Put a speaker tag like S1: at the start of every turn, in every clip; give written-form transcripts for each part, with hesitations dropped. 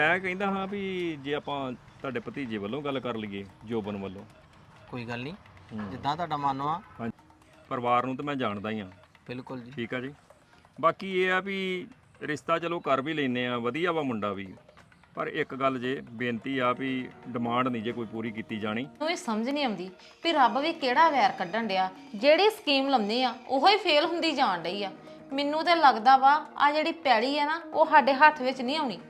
S1: ਮੈਂ ਕਹਿੰਦਾ ਹਾਂ ਵੀ ਜੇ ਆਪਾਂ ਤੁਹਾਡੇ ਭਤੀਜੇ ਵੱਲੋਂ ਗੱਲ ਕਰ ਲਈਏ ਜੋਬਨ ਵੱਲੋਂ।
S2: ਕੋਈ ਗੱਲ ਨਹੀਂ, ਜਿੱਦਾਂ ਤੁਹਾਡਾ ਮਨ ਆ।
S1: ਹਾਂਜੀ, ਪਰਿਵਾਰ ਨੂੰ ਤਾਂ ਮੈਂ ਜਾਣਦਾ ਹੀ ਹਾਂ।
S2: ਬਿਲਕੁਲ ਜੀ।
S1: ਠੀਕ ਆ ਜੀ। ਬਾਕੀ ਇਹ ਆ ਵੀ ਰਿਸ਼ਤਾ ਚਲੋ ਕਰ ਵੀ ਲੈਨੇ ਆ, ਵਧੀਆ ਵਾ ਮੁੰਡਾ ਵੀ, ਪਰ ਇੱਕ ਗੱਲ ਜੇ ਬੇਨਤੀ ਆ ਵੀ ਡਿਮਾਂਡ ਨਹੀਂ ਜੇ ਕੋਈ ਪੂਰੀ ਕੀਤੀ ਜਾਣੀ।
S3: ਨੂੰ ਇਹ ਸਮਝ ਨਹੀਂ ਆਉਂਦੀ ਵੀ ਰੱਬ ਵੀ ਕਿਹੜਾ ਵੈਰ ਕੱਢਣ ਡਿਆ। ਜਿਹੜੀ ਸਕੀਮ ਲੰਮੀ ਆ ਉਹੋ ਹੀ ਫੇਲ ਹੁੰਦੀ ਜਾਣ ਡਈ ਆ। ਮੈਨੂੰ ਤੇ ਲੱਗਦਾ ਵਾ ਆ ਜਿਹੜੀ ਪੈੜੀ ਆ ਨਾ ਉਹ ਸਾਡੇ ਹੱਥ ਵਿੱਚ ਨਹੀਂ ਆਉਣੀ।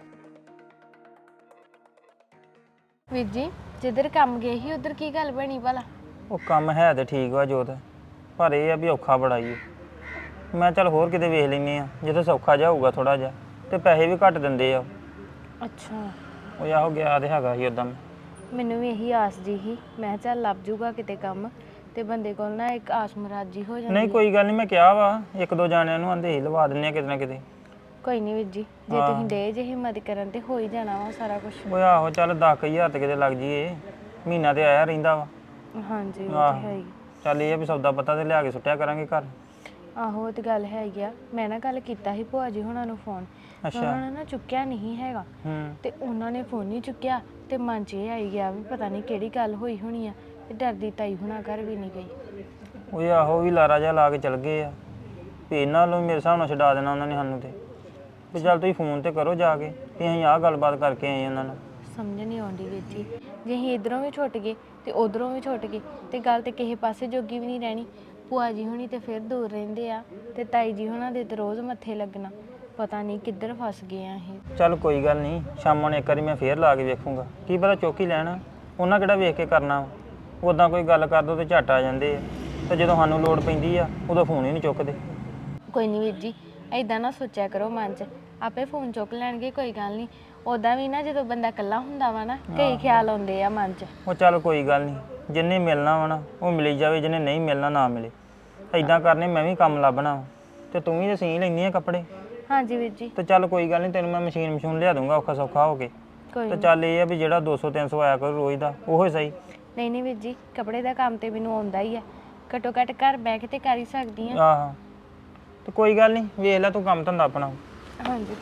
S4: ਵੀਰ ਜੀ ਜਿੱਧਰ ਕੰਮ ਗਏ ਸੀ ਉਧਰ ਕੀ ਗੱਲ ਬਣੀ ਭਲਾ?
S5: ਉਹ ਕੰਮ ਹੈ ਤੇ ਠੀਕ ਵਾ ਜੋਤ, ਪਰ ਇਹ ਆ ਵੀ ਔਖਾ ਬੜਾ ਹੀ। ਮੈਂ ਚੱਲ ਹੋਰ ਕਿਤੇ ਵੇਖ ਲੈਨੇ ਆ ਜਿੱਥੇ ਸੌਖਾ ਜਿਹਾ ਹੋਊਗਾ ਥੋੜਾ ਜਿਹਾ, ਤੇ ਪੈਸੇ ਵੀ ਘੱਟ ਦਿੰਦੇ ਆ।
S4: ਅੱਛਾ,
S5: ਉਹ ਆਹੋ ਗਿਆ ਤੇ ਹੈਗਾ ਸੀ ਉਦਾਂ।
S4: ਮੈਨੂੰ ਵੀ ਇਹੀ ਆਸ ਜੀ ਸੀ, ਮੈਂ ਚੱਲ ਲੱਭ ਜੂਗਾ ਕਿਤੇ ਕੰਮ, ਤੇ ਬੰਦੇ ਕੋਲ ਨਾ ਇੱਕ ਆਸ ਮੁਰਾਦ ਹੋ ਜਾਂਦੀ।
S5: ਨਹੀਂ ਕੋਈ ਗੱਲ ਨਹੀਂ, ਮੈਂ ਕਿਹਾ ਵਾ ਇੱਕ ਦੋ ਜਾਣਿਆਂ ਨੂੰ ਆਂਦੇ ਹੀ ਲਵਾ ਦਿੰਨੇ ਆ ਕਿਤੇ ਨਾ ਕਿਤੇ।
S4: ਕੋਈ ਨਹੀਂ ਵੀਰ ਜੀ, ਜੇ ਤੁਸੀਂ ਡੇ ਜੇ ਹਿੰਮਤ ਕਰਨ ਤੇ ਹੋ ਹੀ ਜਾਣਾ ਵਾ ਸਾਰਾ ਕੁਝ।
S5: ਉਹ ਆਹੋ ਚੱਲ 10,000 ਤੇ ਕਿਤੇ ਲੱਗ ਜੀਏ, ਮਹੀਨਾ ਤੇ ਆਇਆ ਰਹਿੰਦਾ ਵਾ।
S4: ਹਾਂਜੀ ਉਹ ਤੇ ਹੈ ਹੀ।
S5: ਚੱਲ ਇਹ ਆ ਵੀ ਸੌਦਾ ਪੱਤਾ ਤੇ ਲਿਆ ਕੇ ਸੁੱਟਿਆ ਕਰਾਂਗੇ ਘਰ।
S4: ਆਹੋ ਉਹ ਤੇ ਗੱਲ ਹੈ ਹੀ ਆ। ਮੈਂ ਨਾ ਗੱਲ ਕੀਤਾ ਸੀ ਭੂਆ ਜੀ ਹੁਣਾਂ ਨੂੰ ਫੋਨ, ਉਹਨਾਂ ਨੇ ਨਾ ਚੁੱਕਿਆ ਨਹੀਂ ਹੈਗਾ, ਤੇ ਉਹਨਾਂ ਨੇ ਫੋਨ ਨਹੀਂ ਚੁੱਕਿਆ ਤੇ ਮਨ 'ਚ ਇਹ ਆਈ ਗਿਆ ਵੀ ਪਤਾ ਨਹੀਂ ਕਿਹੜੀ ਗੱਲ ਹੋਈ ਹੋਣੀ ਆ, ਤੇ ਡਰਦੀ ਤਾਈ ਹੁਣਾਂ ਘਰ ਵੀ ਨਹੀਂ ਗਈ।
S5: ਉਹ ਆਹੋ ਵੀ ਲਾਰਾ ਜਿਹਾ ਲਾ ਕੇ ਚਲ ਗਏ ਆ ਵੀ ਇਹਨਾਂ ਨੂੰ ਮੇਰੇ ਹਿਸਾਬ ਨਾਲ ਛਡਾ ਦੇਣਾ ਉਹਨਾਂ ਨੇ ਸਾਨੂੰ। ਤੇ ਵੀ ਚੱਲ ਤੁਸੀਂ ਫੋਨ ਤੇ ਕਰੋ ਜਾ ਕੇ ਵੀ ਅਸੀਂ ਆਹ ਗੱਲਬਾਤ ਕਰਕੇ ਆਏ ਉਹਨਾਂ ਨਾਲ।
S4: ਸਮਝ ਨਹੀਂ ਆਉਂਦੀ ਵੀਰ ਜੀ, ਜੇ ਅਸੀਂ ਇੱਧਰੋਂ ਵੀ ਛੁੱਟ ਗਏ ਤੇ ਉਧਰੋਂ ਵੀ ਛੁੱਟ ਗਏ ਤੇ ਗੱਲ ਤੇ ਕਿਸੇ ਪਾਸੇ ਜੋਗੀ ਵੀ ਨਹੀਂ ਰਹਿਣੀ। ਭੂਆ ਜੀ ਹੁਣੀ ਤੇ ਫਿਰ ਦੂਰ ਰਹਿੰਦੇ ਆ, ਤੇ ਤਾਈ ਜੀ ਹੁਣਾਂ ਦੇ ਤੇ ਰੋਜ਼ ਮੱਥੇ ਲੱਗਣਾ। ਪਤਾ ਨਹੀਂ ਕਿੱਧਰ ਫਸ ਗਏ ਆ ਇਹ।
S5: ਚੱਲ ਕੋਈ ਗੱਲ ਨਹੀਂ, ਸ਼ਾਮਾਂ ਨੂੰ ਇੱਕ ਵਾਰੀ ਮੈਂ ਫੇਰ ਲਾ ਕੇ ਵੇਖੂੰਗਾ, ਕੀ ਪਤਾ ਚੁੱਕ ਹੀ ਲੈਣਾ। ਉਹਨਾਂ ਕਿਹੜਾ ਵੇਖ ਕੇ ਕਰਨਾ, ਉੱਦਾਂ ਕੋਈ ਗੱਲ ਕਰ ਦੋ ਤੇ ਝੱਟ ਆ ਜਾਂਦੇ ਆ, ਤੇ ਜਦੋਂ ਸਾਨੂੰ ਲੋੜ ਪੈਂਦੀ ਆ ਉਦੋਂ ਫੋਨ ਹੀ ਨਹੀਂ ਚੁੱਕਦੇ।
S4: ਕੋਈ ਨਹੀਂ ਵੀਰ ਜੀ, ਐਦਾਂ ਨਾ ਸੋਚਿਆ ਕਰੋ ਮਨ 'ਚ, ਆਪੇ ਫੋਨ ਚੁੱਕ ਲੈਣਗੇ, ਕੋਈ ਗੱਲ ਨਹੀਂ। ਉੱਦਾਂ ਵੀ ਨਾ ਜਦੋਂ ਬੰਦਾ ਇਕੱਲਾ ਹੁੰਦਾ ਵਾ ਨਾ, ਕਈ ਖਿਆਲ ਆਉਂਦੇ ਆ ਮਨ 'ਚ।
S5: ਉਹ ਚੱਲ ਕੋਈ ਗੱਲ ਨਹੀਂ, ਜਿੰਨੇ ਮਿਲਣਾ ਵਾ ਨਾ ਉਹ ਮਿਲੀ ਜਾਵੇ, ਜਿਹਨੇ ਨਹੀਂ ਮਿਲਣਾ ਨਾ ਮਿਲੇ। ਐਦਾਂ ਕਰਨੇ, ਮੈਂ ਵੀ ਕੰਮ ਲੱਭਣਾ ਵਾ, ਤੇ ਤੂੰ ਵੀ ਤਾਂ ਸੀ ਲੈਂਦੀ ਆ ਕੱਪੜੇ।
S4: ਹਾਂਜੀ ਵੀਰ ਜੀ।
S5: ਤੇ ਚੱਲ ਕੋਈ ਗੱਲ ਨਹੀਂ, ਤੈਨੂੰ ਮੈਂ ਮਸ਼ੀਨ ਲਿਆ ਦੂੰਗਾ ਔਖਾ ਸੌਖਾ ਹੋ ਕੇ।
S4: ਕੋਈ
S5: ਤੇ ਚੱਲ ਇਹ ਆ ਵੀ ਜਿਹੜਾ 200-300 ਆਇਆ ਕਰੂ ਰੋਜ਼ ਦਾ ਉਹੋ ਹੀ ਸਹੀ।
S4: ਨਹੀਂ ਵੀਰ ਜੀ, ਕੱਪੜੇ ਦਾ ਕੰਮ ਤੇ ਮੈਨੂੰ ਆਉਂਦਾ ਹੀ ਆ, ਘੱਟੋ ਘੱਟ ਘਰ ਬਹਿ ਕੇ ਤੇ ਕਰ ਹੀ ਸਕਦੀ ਆ।
S5: ਆਹੋ ਤੇ ਕੋਈ ਗੱਲ ਨਹੀਂ, ਵੇਖ ਲੈ ਤੂੰ ਕੰਮ ਧੰਦਾ ਆਪਣਾ।
S4: ਹਾਂਜੀ।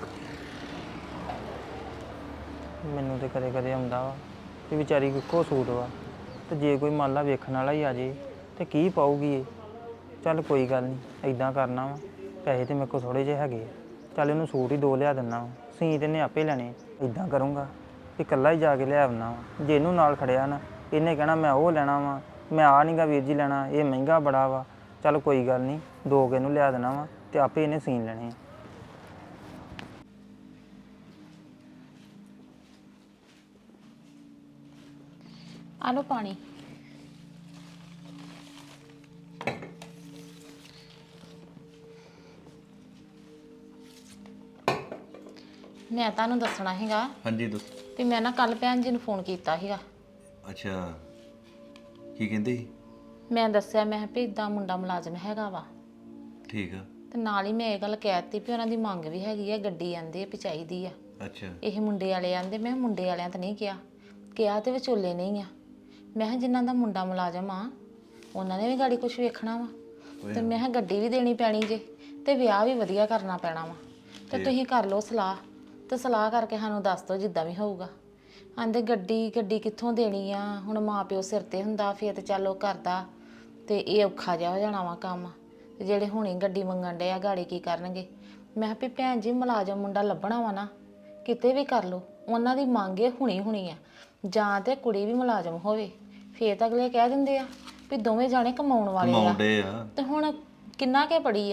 S5: ਮੈਨੂੰ ਤੇ ਕਦੇ ਕਦੇ ਆਉਂਦਾ ਵਾ ਕਿ ਵਿਚਾਰੀ ਇੱਕੋ ਸੂਟ ਵਾ, ਤੇ ਜੇ ਕੋਈ ਮੰਨ ਲਾ ਵੇਖਣ ਵਾਲਾ ਹੀ ਆ ਜੇ ਤੇ ਕੀ ਪਾਊਗੀ ਇਹ। ਚੱਲ ਕੋਈ ਗੱਲ ਨਹੀਂ, ਐਦਾਂ ਕਰਨਾ ਵਾ, ਪੈਸੇ ਤੇ ਮੇਰੇ ਕੋਲ ਥੋੜੇ ਜਿਹੇ ਹੈਗੇ ਆ, ਚੱਲ ਇਹਨੂੰ ਸੂਟ ਹੀ 2 ਲਿਆ ਦਿੰਦਾ ਵਾ, ਸੀ ਤੇ ਇਹਨੇ ਆਪੇ ਲੈਣੇ। ਐਦਾਂ ਕਰੂੰਗਾ ਕਿ ਇਕੱਲਾ ਹੀ ਜਾ ਕੇ ਲਿਆ ਆਉਣਾ ਵਾ। ਜੇ ਇਹਨੂੰ ਨਾਲ ਖੜਿਆ ਨਾ, ਇਹਨੇ ਕਹਿਣਾ ਮੈਂ ਉਹ ਲੈਣਾ ਵਾ, ਮੈਂ ਆ ਨਹੀਂਗਾ ਵੀਰ ਜੀ ਲੈਣਾ, ਇਹ ਮਹਿੰਗਾ ਬੜਾ ਵਾ। ਚੱਲ ਕੋਈ ਗੱਲ ਨਹੀਂ, 2 ਕੁ ਇਹਨੂੰ ਲਿਆ ਦੇਣਾ ਵਾ ਤੇ ਆਪੇ ਇਹਨੇ ਸੀਨ ਲੈਣੇ ਆ।
S3: ਆ ਲਓ ਪਾਣੀ। ਮੈਂ ਤੁਹਾਨੂੰ ਦੱਸਣਾ ਹੈਗਾ
S6: ਹਾਂਜੀ ਦੱਸੋ।
S3: ਵੀ ਮੈਂ ਨਾ ਕੱਲ ਭੈਣ ਜੀ ਨੂੰ ਫੋਨ ਕੀਤਾ ਸੀਗਾ।
S6: ਅੱਛਾ, ਕੀ ਕਹਿੰਦੇ ਸੀ?
S3: ਮੈਂ ਦੱਸਿਆ ਮੈਂ ਵੀ ਇਦਾਂ ਮੁੰਡਾ ਮੁਲਾਜ਼ਮ ਹੈਗਾ ਵਾ,
S6: ਠੀਕ ਆ।
S3: ਤੇ ਨਾਲ ਹੀ ਮੈਂ ਇਹ ਗੱਲ ਕਹਿ ਦਿੱਤੀ ਵੀ ਉਹਨਾਂ ਦੀ ਮੰਗ ਵੀ ਹੈਗੀ ਆ, ਗੱਡੀ ਆਂਦੇ ਵੀ ਚਾਹੀਦੀ ਆ।
S6: ਅੱਛਾ,
S3: ਇਹ ਮੁੰਡੇ ਵਾਲੇ ਆਂਦੇ, ਮੈਂ ਕਿਹਾ ਮੁੰਡੇ ਵਾਲਿਆਂ ਤਾਂ ਨਹੀਂ ਕਿਹਾ ਤੇ ਵਿਚੋਲੇ ਨਹੀਂ ਆ। ਮੈਂ ਕਿਹਾ ਜਿਨ੍ਹਾਂ ਦਾ ਮੁੰਡਾ ਮੁਲਾਜ਼ਮ ਆ ਉਹਨਾਂ ਨੇ ਵੀ ਗਾੜੀ ਕੁਝ ਵੇਖਣਾ ਵਾ, ਤੇ ਮੈਂ ਕਿਹਾ ਗੱਡੀ ਵੀ ਦੇਣੀ ਪੈਣੀ ਜੇ, ਤੇ ਵਿਆਹ ਵੀ ਵਧੀਆ ਕਰਨਾ ਪੈਣਾ ਵਾ, ਤੇ ਤੁਸੀਂ ਕਰ ਲਓ ਸਲਾਹ, ਤੇ ਸਲਾਹ ਕਰਕੇ ਸਾਨੂੰ ਦੱਸ ਦਿਓ ਜਿੱਦਾਂ ਵੀ ਹੋਊਗਾ। ਆਂਦੇ ਗੱਡੀ ਕਿੱਥੋਂ ਦੇਣੀ ਆ, ਹੁਣ ਮਾਂ ਪਿਓ ਸਿਰ ਤੇ ਹੁੰਦਾ ਫਿਰ ਤੇ ਚੱਲ ਉਹ ਕਰਦਾ, ਤੇ ਇਹ ਔਖਾ ਜਿਹਾ ਹੋ ਜਾਣਾ ਵਾ ਕੰਮ, ਤੇ ਜਿਹੜੇ ਹੁਣੇ ਗੱਡੀ ਮੰਗਣ ਡੇ ਆ ਗਾੜੀ ਕੀ ਕਰਨਗੇ। ਮੈਂ ਕਿਹਾ ਵੀ ਭੈਣ ਜੀ ਮੁਲਾਜ਼ਮ ਮੁੰਡਾ ਲੱਭਣਾ ਵਾ ਨਾ, ਕਿਤੇ ਵੀ ਕਰ ਲਓ, ਉਹਨਾਂ ਦੀ ਮੰਗ ਇਹ ਹੁਣੀ ਆ, ਜਾਂ ਤੇ ਕੁੜੀ ਵੀ ਮੁਲਾਜ਼ਮ ਹੋਵੇ, ਫੇਰ ਤਾਂ ਅਗਲੇ ਕਹਿ ਦਿੰਦੇ ਆ ਵੀ ਦੋਵੇਂ ਜਾਣੇ ਕਮਾਉਣ ਵਾਲੇ ਆ। ਤੇ ਹੁਣ ਕਿੰਨਾ ਕੇ ਪੜੀ ਆ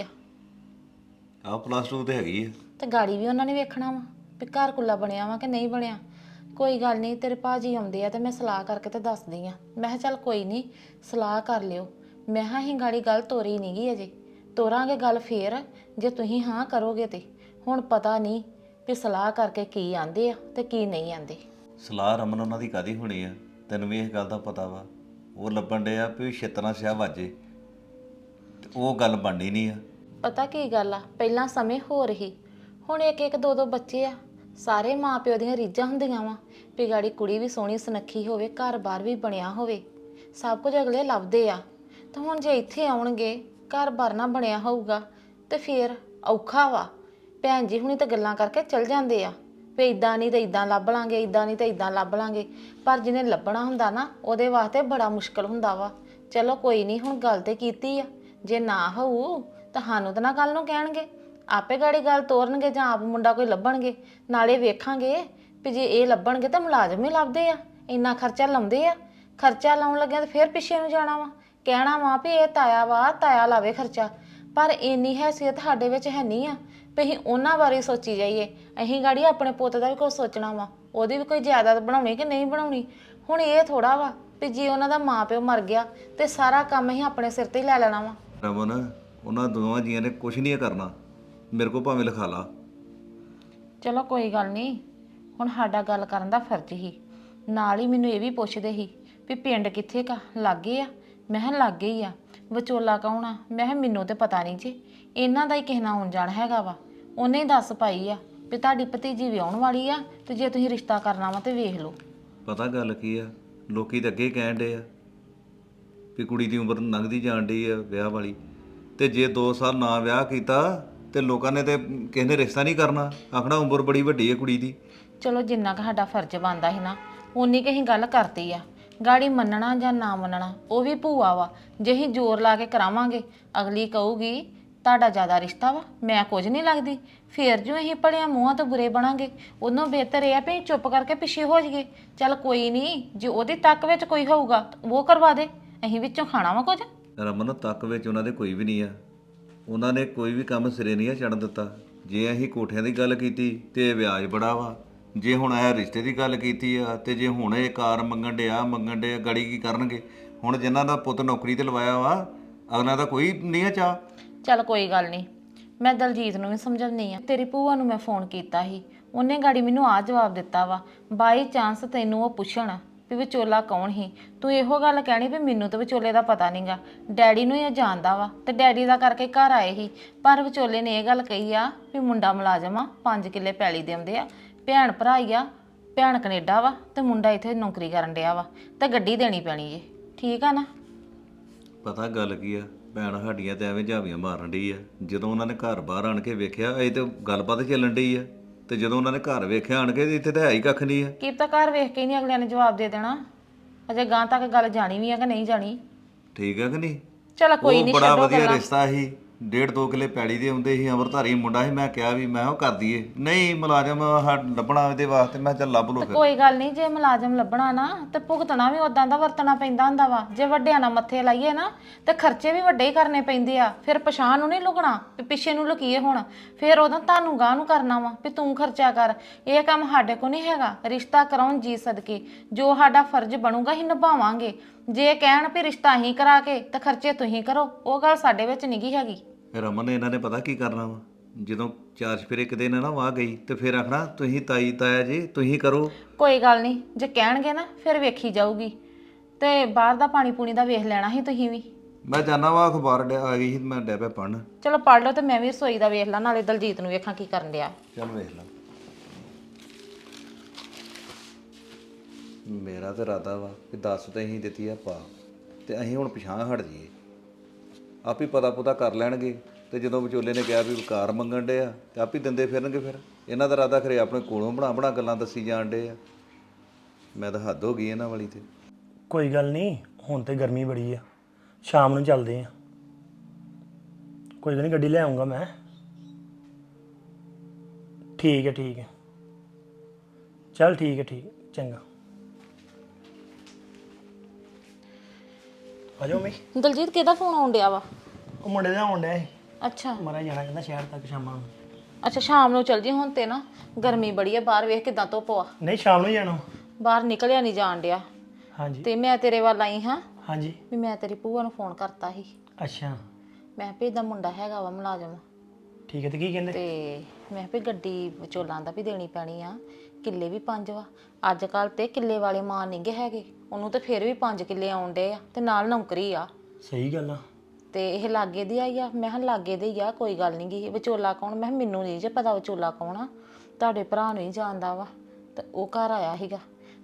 S6: +2 ਤੇ ਹੈਗੀ ਆ,
S3: ਤੇ ਗਾੜੀ ਵੀ ਉਹਨਾਂ ਨੇ ਵੇਖਣਾ ਵਾ ਵੀ ਘਰ ਕੁੱਲਾ ਬਣਿਆ ਵਾ ਕਿ ਨਹੀਂ ਬਣਿਆ। ਕੋਈ ਗੱਲ ਨਹੀਂ, ਤੇਰੇ ਭਾਜੀ ਆਉਂਦੇ ਆ ਤੇ ਮੈਂ ਸਲਾਹ ਕਰਕੇ ਤੇ ਦੱਸਦੀ ਆ। ਮੈਂ ਕਿਹਾ ਚੱਲ ਕੋਈ ਨਹੀਂ, ਸਲਾਹ ਕਰ ਲਿਓ। ਮੈਂ ਕਿਹਾ ਅਸੀਂ ਗਾੜੀ ਗੱਲ ਤੋਰੀ ਨਹੀਂ ਗਈ ਅਜੇ, ਤੋਰਾਂਗੇ ਗੱਲ ਫੇਰ ਜੇ ਤੁਸੀਂ ਹਾਂ ਕਰੋਗੇ। ਤੇ ਹੁਣ ਪਤਾ ਨਹੀਂ ਵੀ ਸਲਾਹ ਕਰਕੇ ਕੀ ਆਂਦੇ ਆ ਤੇ ਕੀ ਨਹੀਂ ਆਂਦੇ।
S6: ਸਲਾਹ ਰਮਨ ਉਹਨਾਂ ਦੀ ਕਾਦੀ ਹੋਣੀ ਆ, ਤੈਨੂੰ ਵੀ ਇਹ ਗੱਲ ਦਾ ਪਤਾ ਵਾ। ਉਹ ਲੱਭਣ ਡੇ ਆ ਵੀ ਛੇਤਨਾ ਸਿਆ ਵਾਜੇ, ਤੇ ਉਹ ਗੱਲ ਬਣਨੀ ਨਹੀਂ ਆ।
S3: ਪਤਾ ਕੀ ਗੱਲ ਆ, ਪਹਿਲਾਂ ਸਮੇਂ ਹੋ ਰਹੀ, ਹੁਣ ਇੱਕ ਦੋ ਬੱਚੇ ਆ। ਸਾਰੇ ਮਾਂ ਪਿਓ ਦੀਆਂ ਰੀਝਾਂ ਹੁੰਦੀਆਂ ਵਾ ਵੀ ਗਾੜੀ ਕੁੜੀ ਵੀ ਸੋਹਣੀ ਸੁਨੱਖੀ ਹੋਵੇ, ਘਰ-ਬਾਰ ਵੀ ਬਣਿਆ ਹੋਵੇ, ਸਭ ਕੁਝ ਅਗਲੇ ਲੱਭਦੇ ਆ। ਤੇ ਹੁਣ ਜੇ ਇੱਥੇ ਆਉਣਗੇ, ਘਰ-ਬਾਰ ਨਾ ਬਣਿਆ ਹੋਊਗਾ ਤੇ ਫੇਰ ਔਖਾ ਵਾ। ਭੈਣ ਜੀ ਹੁਣੀ ਤਾਂ ਗੱਲਾਂ ਕਰਕੇ ਚਲ ਜਾਂਦੇ ਆ, ਵੀ ਇਦਾਂ ਨਹੀਂ ਤੇ ਇਦਾਂ ਲੱਭ ਲਾਂਗੇ, ਇਦਾਂ ਨਹੀਂ ਤੇ ਇਦਾਂ ਲੱਭ ਲਾਂਗੇ। ਪਰ ਜਿਹਨੇ ਲੱਭਣਾ ਹੁੰਦਾ ਨਾ ਉਹਦੇ ਵਾਸਤੇ ਬੜਾ ਮੁਸ਼ਕਲ ਹੁੰਦਾ ਵਾ। ਚਲੋ ਕੋਈ ਨਹੀਂ, ਹੁਣ ਗੱਲ ਤੇ ਕੀਤੀ ਆ, ਜੇ ਨਾ ਹੋਊ ਤਾਂ ਸਾਨੂੰ ਤਾਂ ਨਾ ਕੱਲ ਨੂੰ ਕਹਿਣਗੇ, ਆਪੇ ਗਾੜੀ ਗੱਲ ਤੋਰਨਗੇ ਜਾਂ ਆਪ ਮੁੰਡਾ ਕੋਈ ਲੱਭਣਗੇ। ਨਾਲੇ ਵੇਖਾਂਗੇ ਵੀ ਜੇ ਇਹ ਲੱਭਣਗੇ ਤਾਂ ਮੁਲਾਜ਼ਮ ਹੀ ਲੱਭਦੇ ਆ, ਇੰਨਾ ਖਰਚਾ ਲਾਉਂਦੇ ਆ। ਖਰਚਾ ਲਾਉਣ ਲੱਗਿਆ ਤਾਂ ਫਿਰ ਪਿੱਛੇ ਨੂੰ ਜਾਣਾ ਵਾ, ਕਹਿਣਾ ਵਾ ਵੀ ਇਹ ਤਾਇਆ ਵਾ, ਤਾਇਆ ਲਾਵੇ ਖਰਚਾ। ਪਰ ਇੰਨੀ ਹੈਸੀਅਤ ਸਾਡੇ ਵਿੱਚ ਹੈ ਨਹੀਂ ਆ ਵੀ ਅਸੀਂ ਉਹਨਾਂ ਬਾਰੇ ਸੋਚੀ ਜਾਈਏ। ਅਸੀਂ ਗਾੜੀ ਆਪਣੇ ਪੁੱਤ ਦਾ ਵੀ ਕੁਝ ਸੋਚਣਾ ਵਾ, ਉਹਦੀ ਵੀ ਕੋਈ ਜਾਇਦਾਦ ਬਣਾਉਣੀ ਕਿ ਨਹੀਂ ਬਣਾਉਣੀ। ਹੁਣ ਇਹ ਥੋੜਾ ਵਾ ਵੀ ਜੇ ਉਹਨਾਂ ਦਾ ਮਾਂ ਪਿਓ ਮਰ ਗਿਆ ਤੇ ਸਾਰਾ ਕੰਮ ਅਸੀਂ ਆਪਣੇ ਸਿਰ ਤੇ ਹੀ ਲੈ ਲੈਣਾ ਵਾ।
S6: ਰਮਨ, ਉਹਨਾਂ ਦੋਵਾਂ ਜੀਆਂ ਨੇ ਕੁਝ ਨਹੀਂ ਕਰਨਾ, ਮੇਰੇ ਕੋਲ ਭਾਵੇਂ ਲਿਖਾ ਲਾ।
S3: ਚਲੋ ਕੋਈ ਗੱਲ ਨਹੀਂ, ਹੁਣ ਸਾਡਾ ਗੱਲ ਕਰਨ ਦਾ ਫਰਜ਼ ਹੀ। ਨਾਲ ਹੀ ਮੈਨੂੰ ਇਹ ਵੀ ਪੁੱਛਦੇ ਸੀ ਵੀ ਪਿੰਡ ਕਿੱਥੇ ਕਾ, ਲਾਗੇ ਆ? ਮੈਂ ਕਿਹਾ ਲਾਗੇ ਹੀ ਆ। ਵਿਚੋਲਾ ਕੌਣ ਆ? ਮੈਂ ਕਿਹਾ ਮੈਨੂੰ ਤੇ ਪਤਾ ਨਹੀਂ ਜੀ, ਇਹਨਾਂ ਦਾ ਹੀ ਕਿਸੇ ਨਾਲ ਆਉਣ ਜਾਣ ਹੈਗਾ ਵਾ। ਉਹਨੇ ਹੀ ਦੱਸ ਪਾਈ ਆ ਵੀ ਤੁਹਾਡੀ ਭਤੀਜੀ ਵਿਆਹੁਣ ਵਾਲੀ ਆ ਤੇ ਜੇ ਤੁਸੀਂ ਰਿਸ਼ਤਾ ਕਰਨਾ ਵਾ ਤੇ ਵੇਖ ਲਓ।
S6: ਪਤਾ ਗੱਲ ਕੀ ਆ, ਲੋਕੀ ਤਾਂ ਅੱਗੇ ਕਹਿਣ ਡੇ ਆ ਵੀ ਕੁੜੀ ਦੀ ਉਮਰ ਲੰਘਦੀ ਜਾਣ ਡਈ ਆ ਵਿਆਹ ਵਾਲੀ, ਤੇ ਜੇ 2 ਸਾਲ ਨਾ ਵਿਆਹ ਕੀਤਾ ਤੇ ਲੋਕਾਂ ਨੇ ਤੇ ਕਿਸੇ ਨੇ ਰਿਸ਼ਤਾ ਨਹੀਂ ਕਰਨਾ, ਆਖਣਾ ਉਮਰ ਬੜੀ ਵੱਡੀ ਹੈ ਕੁੜੀ ਦੀ।
S3: ਚਲੋ ਜਿੰਨਾ ਕੁ ਸਾਡਾ ਫਰਜ਼ ਬਣਦਾ ਸੀ ਨਾ ਉਨੀ ਕੁ ਅਸੀਂ ਗੱਲ ਕਰਤੀ ਆ। ਗਾੜੀ ਮੰਨਣਾ ਜਾਂ ਨਾ ਮੰਨਣਾ ਉਹ ਵੀ ਭੂਆ ਵਾ, ਜੇ ਅਸੀਂ ਜ਼ੋਰ ਲਾ ਕੇ ਕਰਾਵਾਂਗੇ ਅਗਲੀ ਕਹੂਗੀ ਤੁਹਾਡਾ ਜ਼ਿਆਦਾ ਰਿਸ਼ਤਾ ਵਾ, ਮੈਂ ਕੁਝ ਨਹੀਂ ਲੱਗਦੀ। ਫੇਰ ਜੋ ਅਸੀਂ ਭਲਿਆਂ ਮੂੰਹਾਂ ਤੋਂ ਬੁਰੇ ਬਣਾਂਗੇ, ਉਹਨੂੰ ਬਿਹਤਰ ਇਹ ਆ ਵੀ ਚੁੱਪ ਕਰਕੇ ਪਿੱਛੇ ਹੋ ਜਾਈਏ। ਚੱਲ ਕੋਈ ਨਹੀਂ, ਜੇ ਉਹਦੀ ਤੱਕ ਵਿੱਚ ਕੋਈ ਹੋਊਗਾ ਤਾਂ ਉਹ ਕਰਵਾ ਦੇ, ਅਸੀਂ ਵਿੱਚੋਂ ਖਾਣਾ ਵਾ ਕੁਝ।
S6: ਰਮਨ, ਤੱਕ ਵਿੱਚ ਉਹਨਾਂ ਦੇ ਕੋਈ ਵੀ ਨਹੀਂ ਆ, ਉਹਨਾਂ ਨੇ ਕੋਈ ਵੀ ਕੰਮ ਸਿਰੇ ਨਹੀਂ ਆ ਚੜ੍ਹਨ ਦਿੱਤਾ। ਜੇ ਅਸੀਂ ਕੋਠਿਆਂ ਦੀ ਗੱਲ ਕੀਤੀ ਤੇ ਵਿਆਜ ਬੜਾ ਵਾ, ਜੇ ਹੁਣ ਇਹ ਰਿਸ਼ਤੇ ਦੀ ਗੱਲ ਕੀਤੀ ਆ ਤੇ ਜੇ ਹੁਣ ਇਹ ਕਾਰ ਮੰਗਣ ਡਿਆ ਗਾੜੀ ਕੀ ਕਰਨਗੇ? ਹੁਣ ਜਿਨ੍ਹਾਂ ਦਾ ਪੁੱਤ ਨੌਕਰੀ ਤੇ ਲਵਾਇਆ ਵਾ ਅਗਲਾ ਦਾ ਕੋਈ ਨਹੀਂ ਆ ਚਾਹ।
S3: ਚੱਲ ਕੋਈ ਗੱਲ ਨਹੀਂ, ਮੈਂ ਦਲਜੀਤ ਨੂੰ ਵੀ ਸਮਝਾਉਂਦੀ ਆ। ਤੇਰੀ ਭੂਆ ਨੂੰ ਮੈਂ ਫੋਨ ਕੀਤਾ ਸੀ, ਉਹਨੇ ਗਾੜੀ ਮੈਨੂੰ ਆ ਜਵਾਬ ਦਿੱਤਾ ਵਾ। ਬਾਈ ਚਾਂਸ ਤੈਨੂੰ ਉਹ ਪੁੱਛਣ ਵੀ ਵਿਚੋਲਾ ਕੌਣ ਸੀ, ਤੂੰ ਇਹੋ ਗੱਲ ਕਹਿਣੀ ਵੀ ਮੈਨੂੰ ਤਾਂ ਵਿਚੋਲੇ ਦਾ ਪਤਾ ਨਹੀਂਗਾ, ਡੈਡੀ ਨੂੰ ਇਹ ਜਾਣਦਾ ਵਾ ਤੇ ਡੈਡੀ ਦਾ ਕਰਕੇ ਘਰ ਆਏ ਸੀ। ਪਰ ਵਿਚੋਲੇ ਨੇ ਇਹ ਗੱਲ ਕਹੀ ਆ ਵੀ ਮੁੰਡਾ ਮੁਲਾਜ਼ਮ ਆ, 5 ਕਿੱਲੇ ਪੈਲੀ ਦੇ ਆਉਂਦੇ ਆ, ਭੈਣ ਭਰਾ ਹੀ ਆ, ਭੈਣ ਕੈਨੇਡਾ ਵਾ ਤੇ ਮੁੰਡਾ ਇੱਥੇ ਨੌਕਰੀ ਕਰਨ ਡਿਆ ਵਾ ਤੇ ਗੱਡੀ ਦੇਣੀ ਪੈਣੀ ਜੇ। ਠੀਕ ਆ ਨਾ?
S6: ਪਤਾ ਗੱਲ ਕੀ ਆ, ਭੈਣ ਸਾਡੀਆਂ ਤੇ ਐਵੇਂ ਝਾਵੀਆਂ ਮਾਰਨ ਡਈ ਆ। ਜਦੋਂ ਉਹਨਾਂ ਨੇ ਘਰ ਬਾਹਰ ਆਣ ਕੇ ਵੇਖਿਆ ਇਹ ਤੇ ਗੱਲਬਾਤ ਚੱਲਣ ਡਈ ਆ, ਤੇ ਜਦੋਂ ਉਹਨਾਂ ਨੇ ਘਰ ਵੇਖਿਆ ਆਣ ਕੇ ਇੱਥੇ ਤਾਂ ਹੈ ਹੀ ਕੱਖ ਨਹੀਂ ਆ।
S3: ਕੀ ਪਤਾ ਘਰ ਵੇਖ ਕੇ ਹੀ ਨਹੀਂ ਅਗਲਿਆਂ ਨੇ ਜਵਾਬ ਦੇ ਦੇਣਾ, ਅਜੇ ਗਾਂ ਤੱਕ ਗੱਲ ਜਾਣੀ ਵੀ ਆ ਕਿ ਨਹੀਂ ਜਾਣੀ।
S6: ਠੀਕ ਆ ਕਿ ਨਹੀਂ?
S3: ਚਲ ਕੋਈ ਨਹੀਂ,
S6: ਬੜਾ
S3: ਛੱਡੋ
S6: ਵਧੀਆ
S3: ਗੱਲਾਂ।
S6: ਰਿਸ਼ਤਾ ਸੀ, 1.5-2 ਕਿੱਲੇ ਪੈਲੀ ਦੇ ਹੁੰਦੇ ਸੀ, ਅਮਰਧਾਰੀ ਮੁੰਡਾ ਸੀ। ਮੈਂ ਕਿਹਾ ਵੀ ਮੈਂ ਉਹ ਕਰ ਦਈਏ, ਨਹੀਂ ਮੁਲਾਜ਼ਮ ਲੱਭਣਾ ਇਹਦੇ ਵਾਸਤੇ। ਮੈਂ ਚੱਲ ਲੱਭ ਲਓ ਫਿਰ।
S3: ਕੋਈ ਗੱਲ ਨਹੀਂ, ਜੇ ਮੁਲਾਜ਼ਮ ਲੱਭਣਾ ਨਾ ਤੇ ਭੁਗਤਣਾ ਵੀ ਉਦਾਂ ਦਾ ਵਰਤਣਾ ਪੈਂਦਾ ਹੁੰਦਾ ਵਾ। ਜੇ ਵੱਡਿਆਂ ਨਾਲ ਮੱਥੇ ਲਾਈਏ ਨਾ ਤੇ ਖਰਚੇ ਵੀ ਵੱਡੇ ਹੀ ਕਰਨੇ ਪੈਂਦੇ ਆ। ਫਿਰ ਪਛਾਣ ਨੂੰ ਨਹੀਂ ਲੁਕਣਾ ਵੀ ਪਿੱਛੇ ਨੂੰ ਲੁਕੀਏ ਹੁਣ, ਫਿਰ ਉਦੋਂ ਤੁਹਾਨੂੰ ਗਾਹ ਨੂੰ ਕਰਨਾ ਵਾ ਵੀ ਤੂੰ ਖਰਚਾ ਕਰ। ਇਹ ਕੰਮ ਸਾਡੇ ਕੋ ਨਹੀਂ ਹੈਗਾ। ਰਿਸ਼ਤਾ ਕਰਾਉਣ ਜੀ ਸਦਕੇ ਜੋ ਸਾਡਾ ਫਰਜ਼ ਬਣੂਗਾ ਅਸੀਂ ਨਿਭਾਵਾਂਗੇ। ਜੇ ਕਹਿਣ ਵੀ ਰਿਸ਼ਤਾ ਅਸੀਂ ਕਰਾ ਕੇ ਤੇ ਖਰਚੇ ਤੁਸੀਂ ਕਰੋ, ਉਹ ਗੱਲ ਸਾਡੇ ਵਿੱਚ ਨਹੀਂ ਗੀ ਹੈਗੀ।
S6: ਰਮਨ, ਇਹਨਾਂ ਨੇ ਪਤਾ ਕੀ ਕਰਨਾ ਵਾ, ਜਦੋਂ 4 ਚਫੇਰੇ ਇੱਕ ਦਿਨ ਨਾ ਵਾਹ ਗਈ ਤੇ ਫਿਰ ਆਖਣਾ ਤੁਸੀਂ ਤਾਈ ਤਾਇਆ ਜੀ ਤੁਸੀਂ ਕਰੋ।
S3: ਕੋਈ ਗੱਲ ਨਹੀਂ, ਜੇ ਕਹਿਣਗੇ ਨਾ ਫਿਰ ਵੇਖੀ ਜਾਊਗੀ। ਤੇ ਬਾਹਰ ਦਾ ਪਾਣੀ ਪੂਣੀ ਦਾ ਵੇਖ ਲੈਣਾ ਸੀ ਤੁਸੀਂ ਵੀ।
S6: ਮੈਂ ਜਾਣਾ ਵਾ, ਅਖਬਾਰ ਆ ਗਈ ਸੀ, ਮੈਂ ਡੈ ਪਿਆ ਪੜ੍ਹਨ।
S3: ਚਲੋ ਪੜ੍ਹ ਲਓ ਤੇ ਮੈਂ ਵੀ ਰਸੋਈ ਦਾ ਵੇਖ ਲਾਂ, ਨਾਲੇ ਦਲਜੀਤ ਨੂੰ ਵੇਖਾਂ ਕੀ ਕਰਨ ਡਿਆ।
S6: ਚੱਲ ਵੇਖ ਲਾ। ਮੇਰਾ ਤਾਂ ਇਰਾਦਾ ਵਾ ਕਿ 10 ਤਾਂ ਅਸੀਂ ਦਿੱਤੀ ਆ ਪਾ, ਤੇ ਅਸੀਂ ਹੁਣ ਪਿਛਾਂ ਹਟ ਜਾਈਏ। ਆਪ ਹੀ ਪਤਾ ਪੁਤਾ ਕਰ ਲੈਣਗੇ, ਤੇ ਜਦੋਂ ਵਿਚੋਲੇ ਨੇ ਕਿਹਾ ਵੀ ਕਾਰ ਮੰਗਣ ਡੇ ਆ ਤੇ ਆਪ ਹੀ ਦਿੰਦੇ ਫਿਰਨਗੇ। ਫਿਰ ਇਹਨਾਂ ਦਾ ਇਰਾਦਾ ਖਰੇ ਆਪਣੇ ਕੋਲੋਂ ਬਣਾ ਗੱਲਾਂ ਦੱਸੀ ਜਾਣ ਡੇ ਆ। ਮੈਂ ਤਾਂ ਹੱਦ ਹੋ ਗਈ ਇਹਨਾਂ ਵਾਲੀ ਤੇ।
S7: ਕੋਈ ਗੱਲ ਨਹੀਂ, ਹੁਣ ਤੇ ਗਰਮੀ ਬੜੀ ਆ, ਸ਼ਾਮ ਨੂੰ ਚੱਲਦੇ ਆ। ਕੋਈ ਗੱਲ ਨਹੀਂ, ਗੱਡੀ ਲੈ ਆਉਂਗਾ ਮੈਂ। ਠੀਕ ਹੈ ਠੀਕ ਹੈ, ਚੱਲ ਠੀਕ ਹੈ ਚੰਗਾ। ਆ ਜਾਓ ਮੈਂ।
S3: ਦਲਜੀਤ ਕਿਹਦਾ ਫੋਨ ਆਉਣ ਡਿਆ ਵਾ?
S7: ਉਹ ਮੁੰਡੇ ਦਾ ਆਉਣ ਡਿਆ ਸੀ,
S3: ਅੱਛਾ
S7: ਮਾਰਾ ਜਾਣਾ ਕਹਿੰਦਾ ਸ਼ਹਿਰ ਤੱਕ ਸ਼ਾਮਾਂ ਨੂੰ।
S3: ਅੱਛਾ ਸ਼ਾਮ ਨੂੰ ਚੱਲ ਜੀ, ਹੁਣ ਤੇ ਨਾ ਗਰਮੀ ਬੜੀ ਆ, ਬਾਹਰ ਵੇਖ ਕਿਦਾਂ ਧੁੱਪ ਆ।
S7: ਨਹੀਂ ਸ਼ਾਮ ਨੂੰ ਜਾਣਾ।
S3: ਬਾਹਰ ਨਿਕਲਿਆ ਨਹੀਂ ਜਾਣ ਡਿਆ।
S7: ਹਾਂਜੀ
S3: ਤੇ ਮੈਂ ਤੇਰੇ ਵੱਲ ਆਈ ਹਾਂ
S7: ਹਾਂਜੀ।
S3: ਵੀ ਮੈਂ ਤੇਰੀ ਭੂਆ ਨੂੰ ਫੋਨ ਕਰਤਾ ਸੀ।
S7: ਅੱਛਾ
S3: ਮੈਂ ਵੀ ਇਹਦਾ ਮੁੰਡਾ ਹੈਗਾ ਵਾ ਮੁਲਾਜ਼ਮ,
S7: ਠੀਕ ਹੈ। ਤੇ ਕੀ ਕਹਿੰਦੇ?
S3: ਤੇ ਮੈਂ ਵੀ ਗੱਡੀ ਵਿਚੋਲਾਂ ਦਾ ਵੀ ਦੇਣੀ ਪੈਣੀ ਆ। ਕਿੱਲੇ ਵੀ 5 ਵਾ ਅੱਜ ਕੱਲ, ਤੇ ਕਿੱਲੇ ਵਾਲੇ ਮਾਂ ਨਹੀਂਗੇ ਹੈਗੇ। ਉਹਨੂੰ ਤੇ ਫਿਰ ਵੀ 5 ਕਿੱਲੇ ਆਉਣ ਡੇ ਆ ਤੇ ਨਾਲ ਨੌਕਰੀ ਆ।
S7: ਸਹੀ ਗੱਲ ਆ।
S3: ਤੇ ਇਹ ਲਾਗੇ ਦੀ ਆਈ ਆ। ਮੈਂ ਕਿਹਾ ਲਾਗੇ ਦੇ ਹੀ ਆ, ਕੋਈ ਗੱਲ ਨਹੀਂ ਗੀ। ਵਿਚੋਲਾ ਕੌਣ? ਮੈਂ ਕਿਹਾ ਮੈਨੂੰ ਨਹੀਂ ਜੇ ਪਤਾ ਵਿਚੋਲਾ ਕੌਣ ਆ, ਤੁਹਾਡੇ ਭਰਾ ਨੂੰ ਹੀ ਜਾਣਦਾ ਵਾ। ਤੇ ਉਹ ਘਰ ਆਇਆ ਸੀਗਾ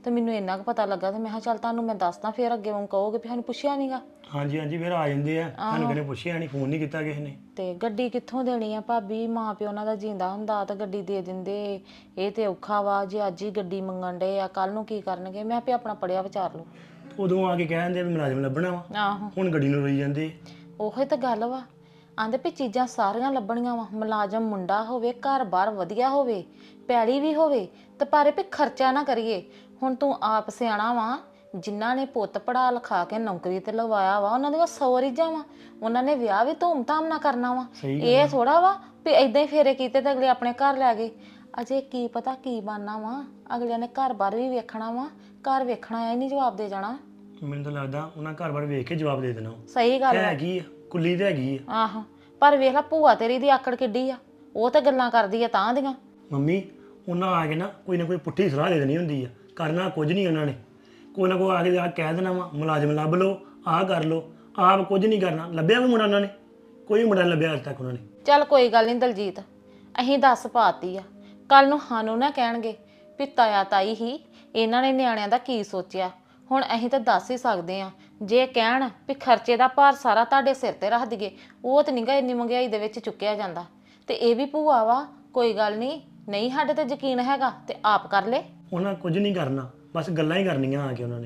S3: ਤੇ ਮੈਨੂੰ ਇੰਨਾ ਕੁ ਪਤਾ ਲੱਗਾ ਤੇ ਮੈਂ ਕਿਹਾ ਚੱਲ ਤੁਹਾਨੂੰ ਮੈਂ ਦੱਸਦਾ, ਫਿਰ ਅੱਗੇ ਵਾਂਗ ਕਹੋਗੇ ਵੀ ਸਾਨੂੰ ਪੁੱਛਿਆ ਨਹੀਂਗਾ।
S7: ਹਾਂਜੀ ਹਾਂਜੀ, ਫਿਰ ਆ ਜਾਂਦੇ ਆ, ਸਾਨੂੰ ਕਿਹਨੇ ਪੁੱਛਿਆ ਨਹੀਂ, ਫੋਨ ਨਹੀਂ ਕੀਤਾ ਕਿਸੇ ਨੇ।
S3: ਤੇ ਗੱਡੀ ਕਿੱਥੋਂ ਦੇਣੀ ਆ ਭਾਬੀ? ਮਾਂ ਪਿਓ ਉਹਨਾਂ ਦਾ ਜਿੰਦਾ ਹੁੰਦਾ ਤਾਂ ਗੱਡੀ ਦੇ ਦਿੰਦੇ। ਇਹ ਤੇ ਔਖਾ ਵਾ, ਜੇ ਅੱਜ ਹੀ ਗੱਡੀ ਮੰਗਣ ਡੇ ਆ ਕੱਲ ਨੂੰ ਕੀ ਕਰਨਗੇ? ਮੈਂ ਆਪੇ ਆਪਣਾ ਪੜਿਆ ਵਿਚਾਰ ਲਓ।
S7: ਉਦੋਂ ਆ ਕੇ ਕਹਿ ਦਿੰਦੇ ਵੀ ਮੁਲਾਜ਼ਮ ਲੱਭਣਾ ਵਾ,
S3: ਆਹੋ
S7: ਹੁਣ ਗੱਡੀ ਨੂੰ ਰੋਈ ਜਾਂਦੇ।
S3: ਉਹੀ ਤਾਂ ਗੱਲ ਵਾ, ਆਂਦੇ ਵੀ ਚੀਜ਼ਾਂ ਸਾਰੀਆਂ ਲੱਭਣੀਆਂ ਵਾ, ਮੁਲਾਜ਼ਮ ਮੁੰਡਾ ਹੋਵੇ, ਘਰ-ਬਾਰ ਵਧੀਆ ਹੋਵੇ, ਪੈਲੀ ਵੀ ਹੋਵੇ, ਤੇ ਪਰ ਵੀ ਖਰਚਾ ਨਾ ਕਰੀਏ। ਹੁਣ ਤੂੰ ਆਪ ਸਿਆਣਾ ਵਾ, ਜਿਨ੍ਹਾਂ ਨੇ ਪੁੱਤ ਪੜਾ ਲਿਖਾ ਕੇ ਨੌਕਰੀ ਤੇ ਲਵਾਇਆ ਵਾ ਉਹਨਾਂ ਦੀਆਂ 100 ਰੀਝਾਂ ਵਾ, ਉਹਨਾਂ ਨੇ ਵਿਆਹ ਵੀ ਧੂਮ-ਧਾਮ ਨਾਲ ਕਰਨਾ ਵਾ। ਇਹ ਥੋੜਾ ਵਾ ਵੀ ਏਦਾਂ ਹੀ ਫੇਰੇ ਕੀਤੇ ਤੇ ਅਗਲੇ ਆਪਣੇ ਘਰ ਲੈ ਗਏ। ਅਜੇ ਕੀ ਪਤਾ ਕੀ ਬਣਨਾ ਵਾ, ਅਗਲਿਆਂ ਨੇ ਘਰ-ਬਾਰ ਵੀ ਵੇਖਣਾ ਵਾ, ਘਰ ਵੇਖਣਾ ਆ ਨਹੀਂ ਜਵਾਬ ਦੇ ਜਾਣਾ।
S7: ਮੈਨੂੰ ਤਾਂ ਲੱਗਦਾ ਉਹਨਾਂ ਘਰ-ਬਾਰ ਵੇਖ ਕੇ ਜਵਾਬ ਦੇ ਦੇਣਾ।
S3: ਸਹੀ ਗੱਲ ਹੈ।
S7: ਹੈਗੀ ਆ, ਕੁੱਲੀ ਤੇ ਹੈਗੀ ਆ।
S3: ਆਹੋ, ਪਰ ਵੇਖ ਲੈ ਭੂਆ ਤੇਰੀ ਦੀ ਆਕੜ ਕਿੱਡੀ ਆ, ਉਹ ਤਾਂ ਗੱਲਾਂ ਕਰਦੀ ਆ ਤਾਂ ਦੀਆਂ।
S7: ਮੰਮੀ ਉਹਨਾਂ ਆ ਕੇ ਨਾ ਕੋਈ ਪੁੱਠੀ ਸਲਾਹ ਦੇ ਦੇਣੀ ਹੁੰਦੀ ਆ, ਕਰਨਾ ਕੁਝ ਨਹੀਂ ਉਹਨਾਂ ਨੇ। ਕੋਈ ਨਾ ਕੋਈ ਆ ਕੇ ਕਹਿ ਦੇਣਾ ਵਾ ਮੁਲਾਜ਼ਮ ਲੱਭ ਲਓ, ਆਹ ਕਰ ਲਓ, ਆਪ ਕੁਝ ਨਹੀਂ ਕਰਨਾ। ਲੱਭਿਆ ਵੀ ਮੁੰਡਾ ਉਹਨਾਂ ਨੇ? ਕੋਈ ਮੁੰਡਾ ਨਹੀਂ ਲੱਭਿਆ ਅੱਜ ਤੱਕ ਉਹਨਾਂ ਨੇ।
S3: ਚੱਲ ਕੋਈ ਗੱਲ ਨਹੀਂ ਦਲਜੀਤ, ਅਸੀਂ ਦੱਸ ਪਾਤੀ ਆ, ਕੱਲ ਨੂੰ ਸਾਨੂੰ ਨਾ ਕਹਿਣਗੇ ਵੀ ਤਾਇਆ ਤਾਈ ਹੀ ਇਹਨਾਂ ਨੇ ਨਿਆਣਿਆਂ ਦਾ ਕੀ ਸੋਚਿਆ। ਹੁਣ ਅਸੀਂ ਤਾਂ ਦੱਸ ਹੀ ਸਕਦੇ ਆ, ਜੇ ਕਹਿਣ ਵੀ ਖਰਚੇ ਦਾ ਭਾਰ ਸਾਰਾ ਤੁਹਾਡੇ ਸਿਰ ਤੇ ਰੱਖ ਦਈਏ, ਉਹ ਤਾਂ ਨਹੀਂਗਾ ਇੰਨੀ ਮਹਿੰਗਾਈ ਦੇ ਵਿੱਚ ਚੁੱਕਿਆ ਜਾਂਦਾ। ਤੇ ਇਹ ਵੀ ਭੂਆ ਵਾ, ਕੋਈ ਗੱਲ ਨਹੀਂ ਸਾਡੇ ਤੇ ਯਕੀਨ ਹੈਗਾ ਤੇ ਆਪ ਕਰ ਲੈ।
S7: ਉਹਨਾਂ ਕੁਝ ਨਹੀਂ ਕਰਨਾ, ਬਸ ਗੱਲਾਂ ਹੀ ਕਰਨੀਆਂ ਆ ਕੇ ਉਹਨਾਂ ਨੇ।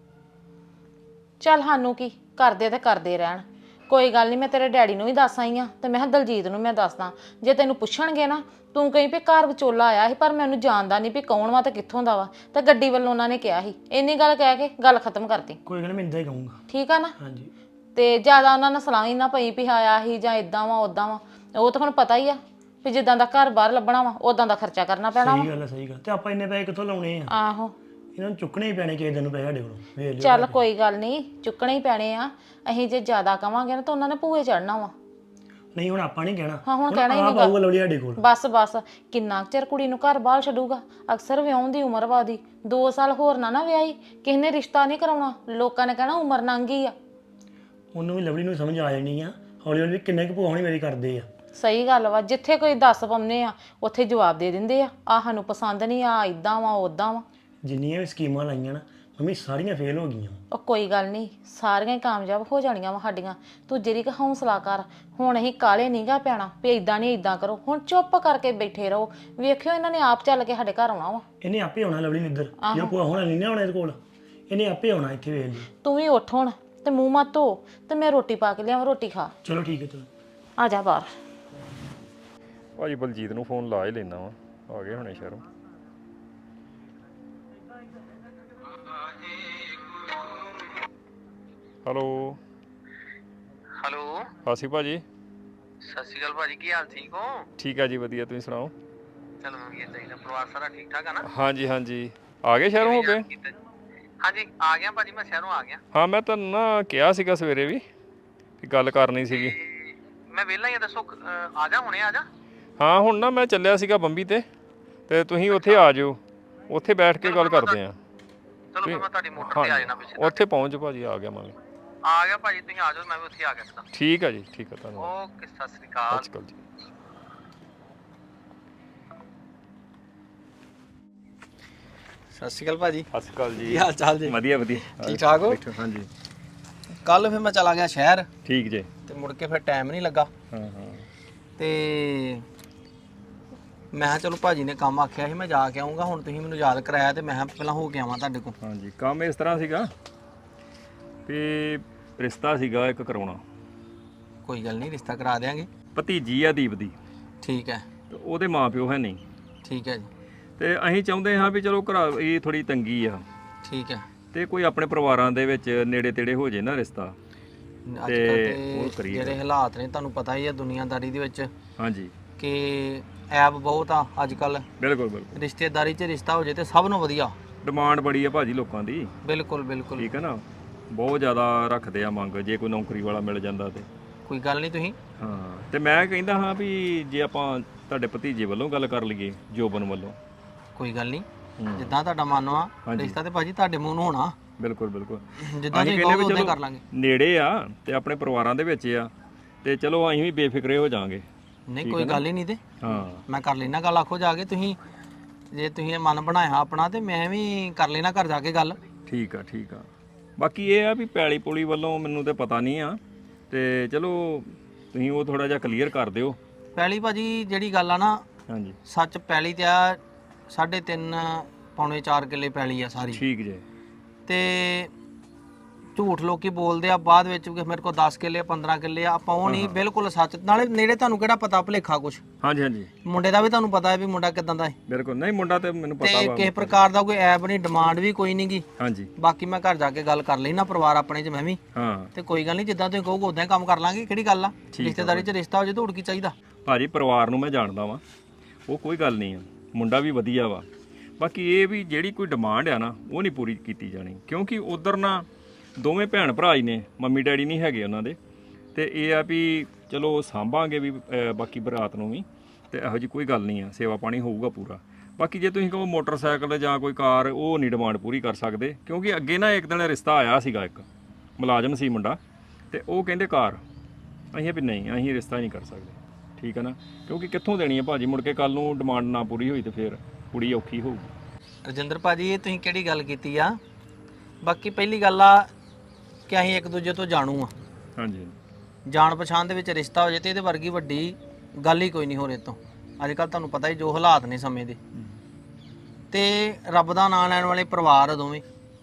S3: ਚੱਲ ਸਾਨੂੰ ਕੀ ਕਰਦੇ ਤੇ ਕਰਦੇ ਰਹਿਣ, ਕੋਈ ਗੱਲ ਨਹੀਂ। ਮੈਂ ਤੇਰੇ ਡੈਡੀ ਨੂੰ ਵੀ ਦੱਸ ਆਈ ਆ ਤੇ ਮੈਂ ਕਿਹਾ ਦਲਜੀਤ ਨੂੰ ਮੈਂ ਦੱਸਦਾ, ਜੇ ਤੈਨੂੰ ਪੁੱਛਣਗੇ ਨਾ ਤੂੰ ਕਹੀਂ ਵੀ ਘਰ ਵਿਚੋਲਾ ਆਇਆ ਸੀ ਪਰ ਮੈਨੂੰ ਜਾਣਦਾ ਨਹੀਂ ਵੀ ਕੌਣ ਵਾ ਤੇ ਕਿੱਥੋਂ ਦਾ ਵਾ, ਤੇ ਗੱਡੀ ਵੱਲੋਂ ਉਹਨਾਂ ਨੇ ਕਿਹਾ ਸੀ। ਇੰਨੀ ਗੱਲ ਕਹਿ ਕੇ ਗੱਲ ਖਤਮ ਕਰਤੀ।
S7: ਕੋਈ ਗੱਲ ਨਹੀਂ, ਮੈਂ ਇੰਦਾ ਹੀ ਕਹੂੰਗਾ।
S3: ਠੀਕ ਆ ਨਾ?
S7: ਹਾਂਜੀ।
S3: ਤੇ ਜ਼ਿਆਦਾ ਉਹਨਾਂ ਨਾਲ ਸਲਾਹ ਹੀ ਨਾ ਪਈ ਵੀ ਆਇਆ ਸੀ ਜਾਂ ਇਦਾਂ ਵਾ ਉਦਾਂ ਵਾ, ਉਹ ਤਾਂ ਹੁਣ ਪਤਾ ਹੀ ਆ ਵੀ ਜਿੱਦਾਂ ਦਾ ਘਰ ਬਾਹਰ ਲੱਭਣਾ ਵਾ ਉਦਾਂ ਦਾ ਖਰਚਾ ਕਰਨਾ ਪੈਣਾ ਵਾ।
S7: ਸਹੀ ਗੱਲ ਹੈ, ਸਹੀ ਗੱਲ। ਤੇ ਆਪਾਂ ਇੰਨੇ ਪੈਸੇ ਕਿੱਥੋਂ ਲਾਉਣੇ ਆ?
S3: ਆਹੋ,
S7: ਇਹਨਾਂ ਨੂੰ ਚੁੱਕਣੇ ਹੀ ਪੈਣੇ ਕਿਸੇ ਦਿਨ ਨੂੰ ਪੈਸੇ ਸਾਡੇ ਕੋਲੋਂ। ਵੇਖ ਲਿਓ।
S3: ਚੱਲ ਕੋਈ ਗੱਲ ਨਹੀਂ, ਚੁੱਕਣੇ ਹੀ ਪੈਣੇ ਆ। ਅਸੀਂ ਜੇ ਜ਼ਿਆਦਾ ਕਵਾਂਗੇ ਨਾ ਤਾਂ ਉਹਨਾਂ ਨੇ ਭੂਏ ਚੜਨਾ ਵਾ।
S7: ਨਹੀਂ ਹੁਣ ਆਪਾਂ ਨਹੀਂ ਕਹਿਣਾ।
S3: ਹਾਂ ਹੁਣ ਕਹਿਣਾ ਹੀ ਨਹੀਂਗਾ।
S7: ਆਊਗਾ ਲਵਲੀ ਸਾਡੇ ਕੋਲ।
S3: ਬਸ ਕਿੰਨਾ ਕੁ ਚਿਰ ਕੁੜੀ ਨੂੰ ਘਰ ਬਾਹਰ ਛੱਡੂਗਾ? ਅਕਸਰ ਵਿਆਹੁਣ ਦੀ ਉਮਰ ਵਾਦੀ 2 ਸਾਲ ਹੋਰ ਨਾ ਵਿਆਹੀ, ਕਿਸੇ ਨੇ ਰਿਸ਼ਤਾ ਨਹੀਂ ਕਰਾਉਣਾ, ਲੋਕਾਂ ਨੇ ਕਹਿਣਾ ਉਮਰ ਲੰਘ ਗਈ ਆ।
S7: ਉਹਨੂੰ ਵੀ ਲਵਲੀ ਨੂੰ ਸਮਝ ਆ ਜਾਣੀ ਆ, ਹੌਲੀ ਹੌਲੀ ਕਿੰਨੇ ਕੁ ਭੂਆ ਹੋਣੀ ਮੇਰੀ ਕਰਦੇ ਆ।
S3: ਸਹੀ ਗੱਲ ਵਾ, ਜਿੱਥੇ ਕੋਈ ਦੱਸ ਪਾਉਂਦੇ ਆ ਉੱਥੇ ਜਵਾਬ ਦੇ ਦਿੰਦੇ ਆ, ਆਹ ਸਾਨੂੰ ਪਸੰਦ ਨਹੀਂ, ਆ ਇਦਾਂ ਵਾ ਉਦਾਂ ਵਾ।
S7: ਜਿੰਨੀਆਂ ਵੀ ਸਕੀਮਾਂ ਲਾਈਆਂ ਨਾ ਮੰਮੀ ਸਾਰੀਆਂ ਫੇਲ ਹੋ ਗਈਆਂ।
S3: ਉਹ ਕੋਈ ਗੱਲ ਨਹੀਂ, ਸਾਰੀਆਂ ਹੀ ਕਾਮਯਾਬ ਹੋ ਜਾਣੀਆਂ ਵਾ ਸਾਡੀਆਂ। ਤੂੰ ਜਿਹੜੀ ਕ ਹੌਸਲਾ ਕਰ, ਹੁਣ ਅਸੀਂ ਕਾਲੇ ਨਹੀਂਗਾ ਪੈਣਾ ਵੀ ਇਦਾਂ ਨਹੀਂ ਇਦਾਂ ਕਰੋ। ਹੁਣ ਚੁੱਪ ਕਰਕੇ ਬੈਠੇ ਰਹੋ, ਵੇਖਿਓ ਇਹਨਾਂ ਨੇ ਆਪ ਚੱਲ ਕੇ ਸਾਡੇ ਘਰ ਆਉਣਾ ਵਾ।
S7: ਇਹਨੇ ਆਪੇ ਆਉਣਾ ਲਵਲੀ ਨੇ ਇੱਧਰ, ਜੇ ਭੂਆ ਹੋਣਾ ਨਹੀਂ ਨਾ ਆਉਣਾ ਇਹਦੇ ਕੋਲ, ਇਹਨੇ ਆਪੇ ਆਉਣਾ ਇੱਥੇ। ਵੇਖ ਲਈ।
S3: ਤੂੰ ਵੀ ਉੱਠ ਹੁਣ ਤੇ ਮੂੰਹ ਮੱਤ ਧੋ ਤੇ ਮੈਂ ਰੋਟੀ ਪਾ ਕੇ ਲਿਆਵਾਂ, ਰੋਟੀ ਖਾ।
S7: ਚਲੋ ਠੀਕ ਹੈ, ਚਲੋ।
S3: ਆ ਜਾ ਬਾਹਰ।
S1: ਭਾਜੀ ਬਲਜੀਤ ਨੂੰ ਫੋਨ ਲਾ ਹੀ ਲੈਣਾ ਵਾ, ਆ ਗਏ ਹੁਣੇ ਸ਼ਹਿਰੋਂ। ਹੈਲੋ ਹਾਸੀ ਭਾਜੀ।
S2: ਸਤਿ ਸ਼੍ਰੀ ਅਕਾਲ ਭਾਜੀ, ਕੀ ਹਾਲ? ਠੀਕ ਹੋ?
S1: ਠੀਕ ਆ ਜੀ, ਵਧੀਆ, ਤੁਸੀਂ ਸੁਣਾਓ?
S2: ਚਲੋ ਵਧੀਆ ਚਾਹੀਦਾ। ਪਰਿਵਾਰ ਸਾਰਾ ਠੀਕ ਠਾਕ ਆ ਨਾ?
S1: ਹਾਂਜੀ ਆ ਗਏ ਸ਼ਹਿਰੋਂ ਹੋ ਕੇ?
S2: ਹਾਂਜੀ ਆ ਗਿਆ ਭਾਜੀ, ਮੈਂ ਸ਼ਹਿਰੋਂ ਆ ਗਿਆ।
S1: ਹਾਂ ਮੈਂ ਤੁਹਾਨੂੰ ਨਾ ਕਿਹਾ ਸੀਗਾ ਸਵੇਰੇ ਵੀ ਗੱਲ ਕਰਨੀ ਸੀਗੀ।
S2: ਮੈਂ ਵਿਹਲਾ ਹੀ ਆ, ਦੱਸੋ। ਆ ਜਾ, ਹੁਣੇ ਆ ਜਾ।
S1: ਹਾਂ ਹੁਣ ਨਾ ਮੈਂ ਚੱਲਿਆ ਸੀਗਾ ਬੰਬੀ ਤੇ ਤੁਸੀਂ ਉੱਥੇ ਆ ਜਾਓ, ਉੱਥੇ ਬੈਠ ਕੇ ਗੱਲ ਕਰਦੇ ਆ।
S2: ਚਲੋ ਫਿਰ ਮੈਂ ਤੁਹਾਡੀ ਮੋਟਰ ਤੇ ਆ ਜਾਣਾ ਪਿੱਛੇ।
S1: ਉੱਥੇ ਪਹੁੰਚ ਭਾਜੀ, ਆ ਗਿਆ ਮੈਂ।
S2: ਆ ਗਿਆ ਭਾਜੀ, ਤੁਸੀਂ ਆ ਜਾਓ, ਮੈਂ ਵੀ ਉੱਥੇ ਆ ਗਿਆ ਸੀ।
S1: ਠੀਕ ਆ ਜੀ, ਠੀਕ ਆ, ਧੰਨਵਾਦ।
S2: ਓਕੇ, ਸਤਿ ਸ਼੍ਰੀ ਅਕਾਲ।
S1: ਅੱਜ ਕੱਲ੍ਹ ਜੀ।
S2: ਸਤਿ ਸ਼੍ਰੀ ਅਕਾਲ ਭਾਜੀ।
S1: ਸਤਿ ਸ਼੍ਰੀ ਅਕਾਲ ਜੀ।
S2: ਕੀ ਹਾਲ ਚਾਲ ਜੀ?
S1: ਵਧੀਆ
S2: ਠੀਕ ਠਾਕ ਹੋ?
S1: ਬੈਠੋ। ਹਾਂਜੀ
S2: ਕੱਲ ਫਿਰ ਮੈਂ ਚਲਾ ਗਿਆ ਸ਼ਹਿਰ
S1: ਠੀਕ ਜੇ।
S2: ਤੇ ਮੁੜ ਕੇ ਫਿਰ ਟਾਈਮ ਨਹੀਂ ਲੱਗਾ।
S1: ਹਾਂ
S2: ਤੇ ਮੈਂ ਕਿਹਾ ਚਲੋ ਭਾਜੀ ਨੇ ਕੰਮ ਆਖਿਆ ਸੀ ਮੈਂ ਜਾ ਕੇ ਆਉਂਗਾ, ਹੁਣ ਤੁਸੀਂ ਮੈਨੂੰ ਯਾਦ ਕਰਾਇਆ ਤੇ ਮੈਂ ਕਿਹਾ ਪਹਿਲਾਂ ਹੋ ਕੇ ਆਵਾਂ ਤੁਹਾਡੇ ਕੋਲ।
S1: ਹਾਂਜੀ, ਕੰਮ ਇਸ ਤਰ੍ਹਾਂ ਸੀਗਾ ਵੀ ਰਿਸ਼ਤਾ ਸੀਗਾ ਇੱਕ ਕਰਾਉਣਾ।
S2: ਕੋਈ ਗੱਲ ਨਹੀਂ, ਰਿਸ਼ਤਾ ਕਰਾ ਦਿਆਂਗੇ।
S1: ਭਤੀਜੀ ਆ ਦੀਪ ਦੀ,
S2: ਠੀਕ ਹੈ।
S1: ਤੇ ਉਹਦੇ ਮਾਪਿਓ ਹੈ ਨਹੀਂ।
S2: ਠੀਕ ਹੈ ਜੀ।
S1: ਤੇ ਅਸੀਂ ਚਾਹੁੰਦੇ ਹਾਂ ਵੀ ਚਲੋ ਘਰ ਇਹ ਥੋੜੀ ਤੰਗੀ ਆ,
S2: ਠੀਕ ਹੈ।
S1: ਤੇ ਕੋਈ ਆਪਣੇ ਪਰਿਵਾਰਾਂ ਦੇ ਵਿੱਚ ਨੇੜੇ ਤੇੜੇ ਹੋ ਜੇ ਨਾ ਰਿਸ਼ਤਾ,
S2: ਅੱਜ
S1: ਤੇ
S2: ਕੱਲ੍ਹ
S1: ਉਹ
S2: ਤੇ
S1: ਕਰੀਏ।
S2: ਜਿਹੜੇ ਹਾਲਾਤ ਨੇ ਤੁਹਾਨੂੰ ਪਤਾ ਹੀ ਹੈ ਦੁਨੀਆਦਾਰੀ ਦੇ ਵਿੱਚ,
S1: ਹਾਂਜੀ
S2: ਕਿ ਐਪ ਬਹੁਤ ਆ ਅੱਜ ਕੱਲ।
S1: ਬਿਲਕੁਲ
S2: ਰਿਸ਼ਤੇਦਾਰੀ 'ਚ ਰਿਸ਼ਤਾ ਹੋ ਜੇ ਤੇ ਸਭ ਨੂੰ ਵਧੀਆ।
S1: ਡਿਮਾਂਡ ਬੜੀ ਆ ਭਾਜੀ ਲੋਕਾਂ ਦੀ।
S2: ਬਿਲਕੁਲ
S1: ਠੀਕ ਹੈ ਨਾ, ਬਹੁਤ ਜ਼ਿਆਦਾ ਰੱਖਦੇ ਆ ਮੰਗ, ਜੇ ਕੋਈ ਨੌਕਰੀ ਵਾਲਾ ਮਿਲ ਜਾਂਦਾ ਤੇ।
S2: ਕੋਈ ਗੱਲ ਨਹੀਂ ਤੁਸੀਂ।
S1: ਹਾਂ, ਤੇ ਮੈਂ ਕਹਿੰਦਾ ਹਾਂ ਵੀ ਜੇ ਆਪਾਂ ਤੁਹਾਡੇ ਭਤੀਜੇ ਵੱਲੋਂ ਗੱਲ ਕਰ ਲਈਏ, ਜੋਬਨ ਵੱਲੋਂ।
S2: ਕੋਈ ਗੱਲ ਨਹੀਂ, ਜਿੱਦਾਂ ਤੁਹਾਡਾ ਮਨ ਆ, ਰਿਸ਼ਤਾ ਤੇ ਭਾਜੀ ਤੁਹਾਡੇ ਮੂੰਹ ਨੂੰ ਹੋਣਾ।
S1: ਬਿਲਕੁਲ
S2: ਜਿੱਦਾਂ ਤੁਸੀਂ ਕਹੋਗੇ ਉਦਾਂ ਕਰ ਲਾਂਗੇ।
S1: ਨੇੜੇ ਆ ਤੇ ਆਪਣੇ ਪਰਿਵਾਰਾਂ ਦੇ ਵਿੱਚ ਆ, ਤੇ ਚਲੋ ਅਸੀਂ ਵੀ ਬੇਫਿਕਰੇ ਹੋ ਜਾਾਂਗੇ।
S2: ਨਹੀਂ ਕੋਈ ਗੱਲ ਹੀ ਨਹੀਂ। ਤੇ
S1: ਹਾਂ
S2: ਮੈਂ ਕਰ ਲੈਣਾ ਗੱਲ, ਆਖੋ ਜਾ ਕੇ ਤੁਸੀਂ ਜੇ ਤੁਸੀਂ ਇਹ ਮਨ ਬਣਾਇਆ ਆਪਣਾ ਤੇ ਮੈਂ ਵੀ ਕਰ ਲੈਣਾ ਘਰ ਜਾ ਕੇ ਗੱਲ।
S1: ਠੀਕ ਆ ਬਾਕੀ ਇਹ ਆ ਵੀ ਪੈਲੀ ਪੁਲੀ ਵੱਲੋਂ ਮੈਨੂੰ ਤੇ ਪਤਾ ਨਹੀਂ ਆ, ਤੇ ਚਲੋ ਤੁਸੀਂ ਉਹ ਥੋੜਾ ਜਿਹਾ ਕਲੀਅਰ ਕਰ ਦਿਓ।
S2: ਪਹਿਲੀ ਭਾਜੀ ਜਿਹੜੀ ਗੱਲ ਆ ਨਾ,
S1: ਹਾਂਜੀ
S2: ਸੱਚ ਪੈਲੀ ਤੇ ਆ 3.5 ਪੌਣੇ 4 ਕਿੱਲੇ ਪੈਲੀ ਆ ਸਾਰੀ,
S1: ਠੀਕ ਜੇ।
S2: ਤੇ ਝੂਠ ਲੋਕੀ ਬੋਲਦੇ ਆ ਬਾਅਦ ਵਿੱਚ ਕਿ ਮੇਰੇ ਕੋਲ 10 ਕਿੱਲੇ 15 ਕਿੱਲੇ ਆ, ਆਪਾਂ ਉਹ ਨਹੀਂ, ਬਿਲਕੁਲ ਸੱਚ। ਨਾਲੇ ਨੇੜੇ ਤੁਹਾਨੂੰ ਕਿਹੜਾ ਪਤਾ ਭੁਲੇਖਾ ਕੁਛ,
S1: ਹਾਂਜੀ
S2: ਮੁੰਡੇ ਦਾ ਵੀ ਤੁਹਾਨੂੰ ਪਤਾ ਹੈ ਵੀ ਮੁੰਡਾ ਕਿਦਾਂ ਦਾ ਹੈ,
S1: ਬਿਲਕੁਲ। ਨਹੀਂ ਮੁੰਡਾ ਤੇ ਮੈਨੂੰ ਪਤਾ
S2: ਤੇ
S1: ਵਾ।
S2: ਕਿਸੇ ਪ੍ਰਕਾਰ ਦਾ ਕੋਈ ਐਬ ਨਹੀਂ, ਡਿਮਾਂਡ ਵੀ ਕੋਈ ਨਹੀਂਗੀ।
S1: ਹਾਂਜੀ
S2: ਬਾਕੀ ਮੈਂ ਘਰ ਜਾ ਕੇ ਗੱਲ ਕਰ ਲਈ ਨਾ ਪਰਿਵਾਰ ਆਪਣੇ ਚ ਮੈਂ ਵੀ,
S1: ਹਾਂ
S2: ਤੇ ਕੋਈ ਗੱਲ ਨਹੀਂ, ਜਿੱਦਾਂ ਤੁਸੀਂ ਕਹੋਗੇ ਉਦਾਂ ਹੀ ਕੰਮ ਕਰ ਲਾਂਗੇ। ਕਿਹੜੀ ਗੱਲ ਆ, ਰਿਸ਼ਤੇਦਾਰੀ ਚ ਰਿਸ਼ਤਾ ਹੋ ਜੇ ਤਾਂ ਹੋਰ ਕੀ ਚਾਹੀਦਾ।
S1: ਭਾਜੀ ਪਰਿਵਾਰ ਨੂੰ ਮੈਂ ਜਾਣਦਾ ਵਾਂ, ਉਹ ਕੋਈ ਗੱਲ ਨਹੀਂ ਆ, ਮੁੰਡਾ ਵੀ ਵਧੀਆ ਵਾ। ਬਾਕੀ ਇਹ ਵੀ ਜਿਹੜੀ ਕੋਈ ਡਿਮਾਂਡ ਆ ਨਾ ਉਹ ਨਹੀਂ ਪੂਰੀ ਕੀਤੀ ਜਾਣੀ, ਕਿਉਂਕਿ ਉਧਰ ਨਾ ਦੋਵੇਂ ਭੈਣ ਭਰਾ ਹੀ ਨੇ, ਮੰਮੀ ਡੈਡੀ ਨਹੀਂ ਹੈਗੇ ਉਹਨਾਂ ਦੇ, ਤੇ ਇਹ ਆ ਵੀ ਚਲੋ ਸਾਂਭਾਂਗੇ ਵੀ ਬਾਕੀ ਬਰਾਤ ਨੂੰ ਵੀ, ਤੇ ਇਹੋ ਜੀ ਕੋਈ ਗੱਲ ਨਹੀਂ ਆ, ਸੇਵਾ ਪਾਣੀ ਹੋਊਗਾ ਪੂਰਾ। ਬਾਕੀ ਜੇ ਤੁਸੀਂ ਕਹੋ ਮੋਟਰਸਾਈਕਲ ਜਾਂ ਕੋਈ ਕਾਰ, ਉਹ ਨਹੀਂ ਡਿਮਾਂਡ ਪੂਰੀ ਕਰ ਸਕਦੇ, ਕਿਉਂਕਿ ਅੱਗੇ ਨਾ ਇੱਕ ਦਿਨ ਰਿਸ਼ਤਾ ਆਇਆ ਸੀਗਾ, ਇੱਕ ਮੁਲਾਜ਼ਮ ਸੀ ਮੁੰਡਾ, ਤੇ ਉਹ ਕਹਿੰਦੇ ਕਾਰ, ਅਸੀਂ ਵੀ ਨਹੀਂ, ਅਸੀਂ ਰਿਸ਼ਤਾ ਨਹੀਂ ਕਰ ਸਕਦੇ, ਠੀਕ ਹੈ ਨਾ, ਕਿਉਂਕਿ ਕਿੱਥੋਂ ਦੇਣੀ ਹੈ ਭਾਜੀ, ਮੁੜ ਕੇ ਕੱਲ ਨੂੰ ਡਿਮਾਂਡ ਨਾ ਪੂਰੀ ਹੋਈ ਤੇ ਫਿਰ ਕੁੜੀ ਔਖੀ ਹੋਊਗੀ।
S2: ਰਜਿੰਦਰ ਭਾਜੀ ਇਹ ਤੁਸੀਂ ਕਿਹੜੀ ਗੱਲ ਕੀਤੀ ਆ। ਬਾਕੀ ਪਹਿਲੀ ਗੱਲ ਆ ਕਿ ਅਸੀਂ ਇੱਕ ਦੂਜੇ ਤੋਂ ਜਾਣੂ ਆ,
S1: ਹਾਂਜੀ
S2: ਜਾਣ ਪਛਾਣ ਦੇ ਵਿੱਚ ਰਿਸ਼ਤਾ ਹੋ ਜੇ ਤੇ ਇਹਦੇ ਵਰਗੀ ਵੱਡੀ ਗੱਲ ਹੀ ਕੋਈ ਨਹੀਂ ਹੋ ਰਹੀ ਤੋਂ। ਅੱਜ ਕੱਲ ਤੁਹਾਨੂੰ ਪਤਾ ਹੀ ਜੋ ਹਾਲਾਤ ਨੇ ਸਮੇਂ ਦੇ, ਤੇ ਰੱਬ ਦਾ ਨਾਮ ਲੈਣ ਵਾਲੇ ਪਰਿਵਾਰ ਆ ਦੋਵੇਂ।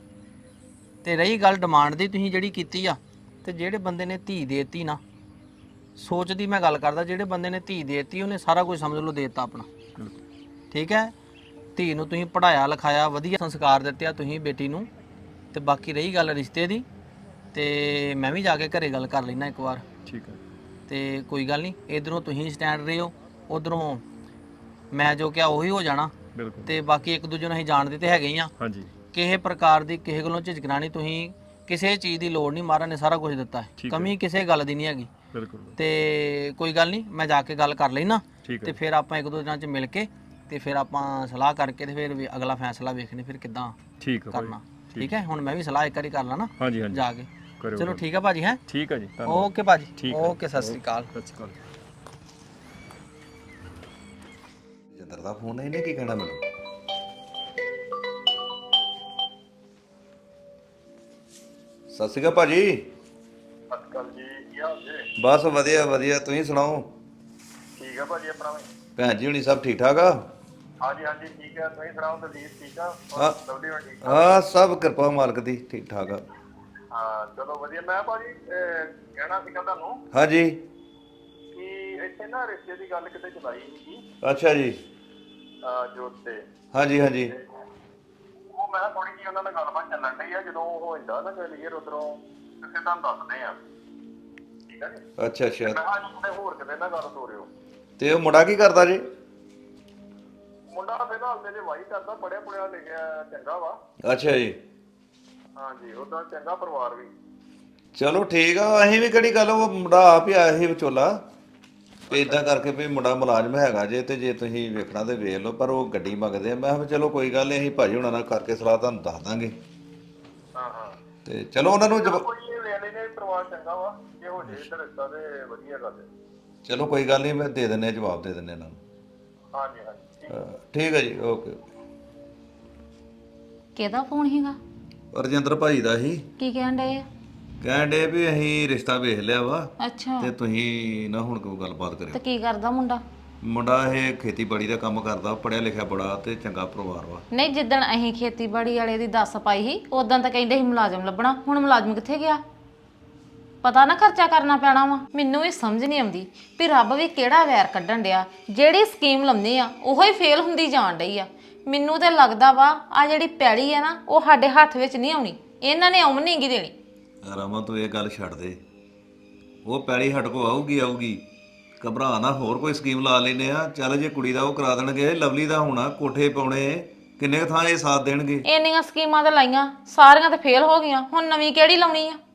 S2: ਤੇ ਰਹੀ ਗੱਲ ਡਿਮਾਂਡ ਦੀ ਤੁਸੀਂ ਜਿਹੜੀ ਕੀਤੀ ਆ, ਤੇ ਜਿਹੜੇ ਬੰਦੇ ਨੇ ਧੀ ਦੇਤੀ ਨਾ, ਸੋਚ ਦੀ ਮੈਂ ਗੱਲ ਕਰਦਾ, ਜਿਹੜੇ ਬੰਦੇ ਨੇ ਧੀ ਦੇਤੀ ਉਹਨੇ ਸਾਰਾ ਕੁਝ ਸਮਝ ਲਓ ਦੇਤਾ ਆਪਣਾ, ਠੀਕ ਹੈ। ਧੀ ਨੂੰ ਤੁਸੀਂ ਪੜਾਇਆ ਲਿਖਾਇਆ, ਵਧੀਆ ਸੰਸਕਾਰ ਦਿੱਤੇ ਆ ਤੁਸੀਂ ਬੇਟੀ ਨੂੰ, ਤੇ ਬਾਕੀ ਰਹੀ ਗੱਲ ਰਿਸ਼ਤੇ ਦੀ, ਤੇ ਮੈਂ ਵੀ ਜਾ ਕੇ ਘਰੇ ਗੱਲ ਕਰ ਲੈਣਾ ਇੱਕ ਵਾਰ,
S1: ਠੀਕ ਹੈ।
S2: ਤੇ ਕੋਈ ਗੱਲ ਨਹੀਂ, ਇਧਰੋਂ ਤੁਸੀਂ ਸਟੈਂਡ ਰਹੇ ਹੋ, ਉਧਰੋਂ ਮੈਂ ਜੋ ਕਿਹਾ ਉਹੀ ਹੋ ਜਾਣਾ।
S1: ਬਿਲਕੁਲ।
S2: ਤੇ ਬਾਕੀ ਇੱਕ ਦੂਜੇ ਨੂੰ ਅਸੀਂ ਜਾਣਦੇ ਤੇ ਹੈਗੇ ਹੀ ਆ,
S1: ਹਾਂਜੀ
S2: ਕਿਸੇ ਪ੍ਰਕਾਰ ਦੀ ਕਿਸੇ ਕੋਲੋਂ ਝਿਜਕਣਾ ਨਹੀਂ, ਤੁਸੀਂ ਕਿਸੇ ਚੀਜ਼ ਦੀ ਲੋੜ ਨਹੀਂ, ਮਹਾਰਾਜ ਨੇ ਸਾਰਾ ਕੁਝ ਦਿੱਤਾ ਹੈ, ਕਮੀ ਕਿਸੇ ਗੱਲ ਦੀ ਨਹੀਂ ਹੈਗੀ।
S1: ਬਿਲਕੁਲ।
S2: ਤੇ ਕੋਈ ਗੱਲ ਨਹੀਂ, ਮੈਂ ਜਾ ਕੇ ਗੱਲ ਕਰ ਲੈਣਾ,
S1: ਠੀਕ
S2: ਤੇ ਫਿਰ ਆਪਾਂ ਇੱਕ ਦੋ ਦਿਨਾਂ 'ਚ ਮਿਲ ਕੇ ਤੇ ਫਿਰ ਆਪਾਂ ਸਲਾਹ ਕਰਕੇ ਤੇ ਫਿਰ ਅਗਲਾ ਫੈਸਲਾ ਵੇਖਣੇ ਫਿਰ ਕਿੱਦਾਂ
S1: ਠੀਕ ਹੈ ਭਾਈ।
S2: ਕਰਨਾ, ਠੀਕ ਹੈ। ਹੁਣ ਮੈਂ ਵੀ ਸਲਾਹ ਇੱਕ ਵਾਰੀ ਕਰ ਲਾ
S1: ਹਾਂਜੀ ਹਾਂਜੀ
S2: ਜਾ ਕੇ।
S1: ਕਰਿਓ
S2: ਚਲੋ ਠੀਕ ਹੈ ਭਾਜੀ, ਹੈ
S1: ਠੀਕ ਹੈ ਜੀ, ਧੰਨਵਾਦ।
S2: ਓਕੇ ਭਾਜੀ,
S1: ਠੀਕ ਹੈ।
S2: ਓਕੇ, ਸਤਿ ਸ੍ਰੀ ਅਕਾਲ।
S1: ਸਤਿ ਸ਼੍ਰੀ ਅਕਾਲ।
S6: ਜਿੰਦਰ ਦਾ ਫੋਨ ਹੈ, ਇਹਨੇ ਕੀ ਕਹਿਣਾ ਮੈਨੂੰ? ਸਤਿ ਸ਼੍ਰੀ ਅਕਾਲ ਭਾਜੀ।
S8: ਸਤਿ ਸ਼੍ਰੀ ਅਕਾਲ ਜੀ, ਕੀ ਹਾਲ ਜੀ?
S6: ਬਸ ਵਧੀਆ ਵਧੀਆ, ਤੁਸੀਂ ਸੁਣਾਓ?
S8: ਠੀਕ ਆ ਭਾਜੀ, ਆਪਣਾ ਵੀ।
S6: ਭੈਣ ਜੀ ਹੁਣੀ ਸਭ ਠੀਕ ਠਾਕ ਆ?
S8: ਹਾਂਜੀ ਹਾਂਜੀ ਠੀਕ ਆ, ਤੁਸੀਂ ਸੁਣਾਓ? ਦਲਜੀਤ ਠੀਕ ਆ?
S6: ਹਾਂ।
S8: ਲਵਲੀ ਵੀ ਠੀਕ ਆ?
S6: ਹਾਂ ਸਭ ਕਿਰਪਾ ਮਾਲਕ ਦੀ, ਠੀਕ ਠਾਕ ਆ।
S8: ਹਾਂ ਚਲੋ ਵਧੀਆ। ਮੈਂ ਭਾਜੀ ਕਹਿਣਾ ਸੀਗਾ ਤੁਹਾਨੂੰ
S6: ਹਾਂਜੀ।
S8: ਕਿ ਇੱਥੇ ਨਾ ਰਿਸ਼ਤੇ ਦੀ ਗੱਲ ਕਿਤੇ ਚਲਾਈ ਸੀਗੀ
S6: ਅੱਛਾ ਜੀ।
S8: ਜੋਤ ਤੇ।
S6: ਹਾਂਜੀ ਹਾਂਜੀ।
S8: ਉਹ ਮੈਂ ਥੋੜੀ ਜਿਹੀ ਉਹਨਾਂ ਨਾਲ ਗੱਲਬਾਤ ਚੱਲਣ ਡਈ ਆ, ਜਦੋਂ ਹੋ ਜਾਂਦਾ ਨਾ ਕਲੀਅਰ ਉਧਰੋਂ ਤੇ ਫਿਰ ਤੁਹਾਨੂੰ ਦੱਸਦੇ ਆ, ਠੀਕ ਆ ਜੀ?
S6: ਅੱਛਾ ਅੱਛਾ।
S8: ਮੈਂ ਕਿਹਾ ਅੱਜ ਹੋਰ ਕਿਤੇ ਨਾ ਗੱਲ ਤੋਰਿਓ।
S6: ਤੇ ਉਹ ਮੁੰਡਾ ਕੀ ਕਰਦਾ ਜੀ?
S8: ਮੁੰਡਾ ਫਿਲਹਾਲ ਤੇ ਜੇ ਵਾਹੀ ਕਰਦਾ, ਪੜਿਆ ਪੁੜਿਆ ਲਿਖਿਆ ਚੰਗਾ ਵਾ।
S6: ਅੱਛਾ ਜੀ।
S8: ਹਾਂਜੀ ਉਹਦਾ ਚੰਗਾ ਪਰਿਵਾਰ ਵੀ।
S6: ਚਲੋ ਠੀਕ ਆ, ਅਸੀਂ ਵੀ ਕਿਹੜੀ ਗੱਲ, ਉਹ ਮੁੰਡਾ ਆਪ ਹੀ ਆਇਆ ਸੀ ਵਿਚੋਲਾ, ਤੇ ਇਦਾਂ ਕਰਕੇ ਵੀ ਮੁੰਡਾ ਮੁਲਾਜ਼ਮ ਹੈਗਾ ਜੇ, ਤੇ ਜੇ ਤੁਸੀਂ ਵੇਖਣਾ ਤੇ ਵੇਖ ਲਓ, ਪਰ ਉਹ ਗੱਡੀ ਮੰਗਦੇ ਆ। ਮੈਂ ਕਿਹਾ ਚਲੋ ਕੋਈ ਗੱਲ ਨਹੀਂ, ਅਸੀਂ ਭਾਜੀ ਹੁਣਾਂ ਨਾਲ ਕਰਕੇ ਸਲਾਹ ਤੁਹਾਨੂੰ ਦੱਸ ਦਾਂਗੇ।
S8: ਹਾਂ ਹਾਂ
S6: ਤੇ ਚਲੋ ਉਹਨਾਂ ਨੂੰ
S8: ਕੋਈ ਇਹ ਵੇਲੇ ਨੇ ਪਰਿਵਾਰ ਚੰਗਾ ਵਾ, ਜੇ ਹੋ ਜੇ ਇੱਧਰ ਰਿਸ਼ਤਾ ਤੇ ਵਧੀਆ ਗੱਲ ਹੈ।
S6: ਚਲੋ ਕੋਈ ਗੱਲ ਨਹੀਂ, ਮੈਂ ਦੇ ਦਿੰਦੇ ਜਵਾਬ ਦੇ ਦਿੰਦੇ ਇਹਨਾਂ ਨੂੰ।
S8: ਹਾਂਜੀ ਹਾਂਜੀ
S6: ਠੀਕ ਹੈ ਜੀ, ਓਕੇ।
S3: ਕਿਹਦਾ ਫੋਨ ਹੈਗਾ?
S6: ਰਜਿੰਦਰ ਭਾਈ ਦਾ ਹੀ
S3: ਕੀ ਕਹਿਣ ਡਏ ਆ?
S6: ਕਹਿਣ ਡੇ ਵੀ ਅਸੀਂ ਰਿਸ਼ਤਾ ਵੇਖ ਲਿਆ ਵਾ,
S3: ਅੱਛਾ,
S6: ਤੇ ਤੁਸੀਂ ਨਾ ਹੁਣ ਕੋਈ ਗੱਲਬਾਤ
S3: ਤੇ
S6: ਕਰਿਓ।
S3: ਕੀ ਕਰਦਾ ਮੁੰਡਾ?
S6: ਮੁੰਡਾ ਇਹ ਖੇਤੀਬਾੜੀ ਦਾ ਕੰਮ ਕਰਦਾ, ਪੜਿਆ ਲਿਖਿਆ ਬੜਾ, ਤੇ ਚੰਗਾ ਪਰਿਵਾਰ ਵਾ।
S3: ਨਹੀਂ, ਜਿੱਦਣ ਅਸੀਂ ਖੇਤੀਬਾੜੀ ਵਾਲੇ ਦੀ ਦੱਸ ਪਾਈ ਸੀ ਉਦੋਂ ਤਾਂ ਕਹਿੰਦੇ ਸੀ ਮੁਲਾਜ਼ਮ ਲੱਭਣਾ, ਹੁਣ ਮੁਲਾਜ਼ਮ ਕਿੱਥੇ ਗਿਆ? ਪਤਾ ਨਾ ਖਰਚਾ ਕਰਨਾ ਪੈਣਾ ਵਾ। ਮੈਨੂੰ ਵੀ ਸਮਝ ਨਹੀਂ ਆਉਂਦੀ ਵੀ ਰੱਬ ਵੀ ਕਿਹੜਾ ਵੈਰ ਕੱਢਣ ਡਿਆ, ਜਿਹੜੀ ਸਕੀਮ ਲਾਉਂਦੇ ਆ ਉਹੋ ਹੀ ਫੇਲ ਹੁੰਦੀ ਜਾਣ ਡਈ ਆ। ਮੈਨੂੰ ਤੇ ਲੱਗਦਾ ਵਾ ਆ ਜਿਹੜੀ ਪੈੜੀ ਆ ਨਾ, ਉਹ ਸਾਡੇ ਹੱਥ ਵਿੱਚ ਨਹੀਂ ਆਉਣੀ, ਇਹਨਾਂ ਨੇ ਆਉਣ ਨਹੀਂ ਗੀ ਦੇਣੀ।
S6: ਰਾਮਾ ਤੂੰ ਇਹ ਗੱਲ ਛੱਡ ਦੇ, ਉਹ ਪੈਲੀ ਹਟ ਕੋ ਆਊਗੀ ਆਊਗੀ, ਘਬਰਾ ਨਾ, ਹੋਰ ਕੋਈ ਸਕੀਮ ਲਾ ਲੈਨੇ ਆ। ਚੱਲ ਜੇ ਕੁੜੀ ਦਾ ਉਹ ਕਰਾ ਦੇਣਗੇ, ਲਵਲੀ ਦਾ ਹੋਣਾ, ਕੋਠੇ ਪਾਉਣੇ, ਕਿੰਨੇ ਥਾਂ ਇਹ ਸਾਥ ਦੇਣਗੇ।
S3: ਇੰਨੀਆਂ ਸਕੀਮਾਂ ਤਾਂ ਲਾਈਆਂ, ਸਾਰੀਆਂ ਤਾਂ ਫੇਲ ਹੋ ਗਈਆਂ, ਹੁਣ ਨਵੀਂ ਕਿਹੜੀ ਲਾਉਣੀ ਆ?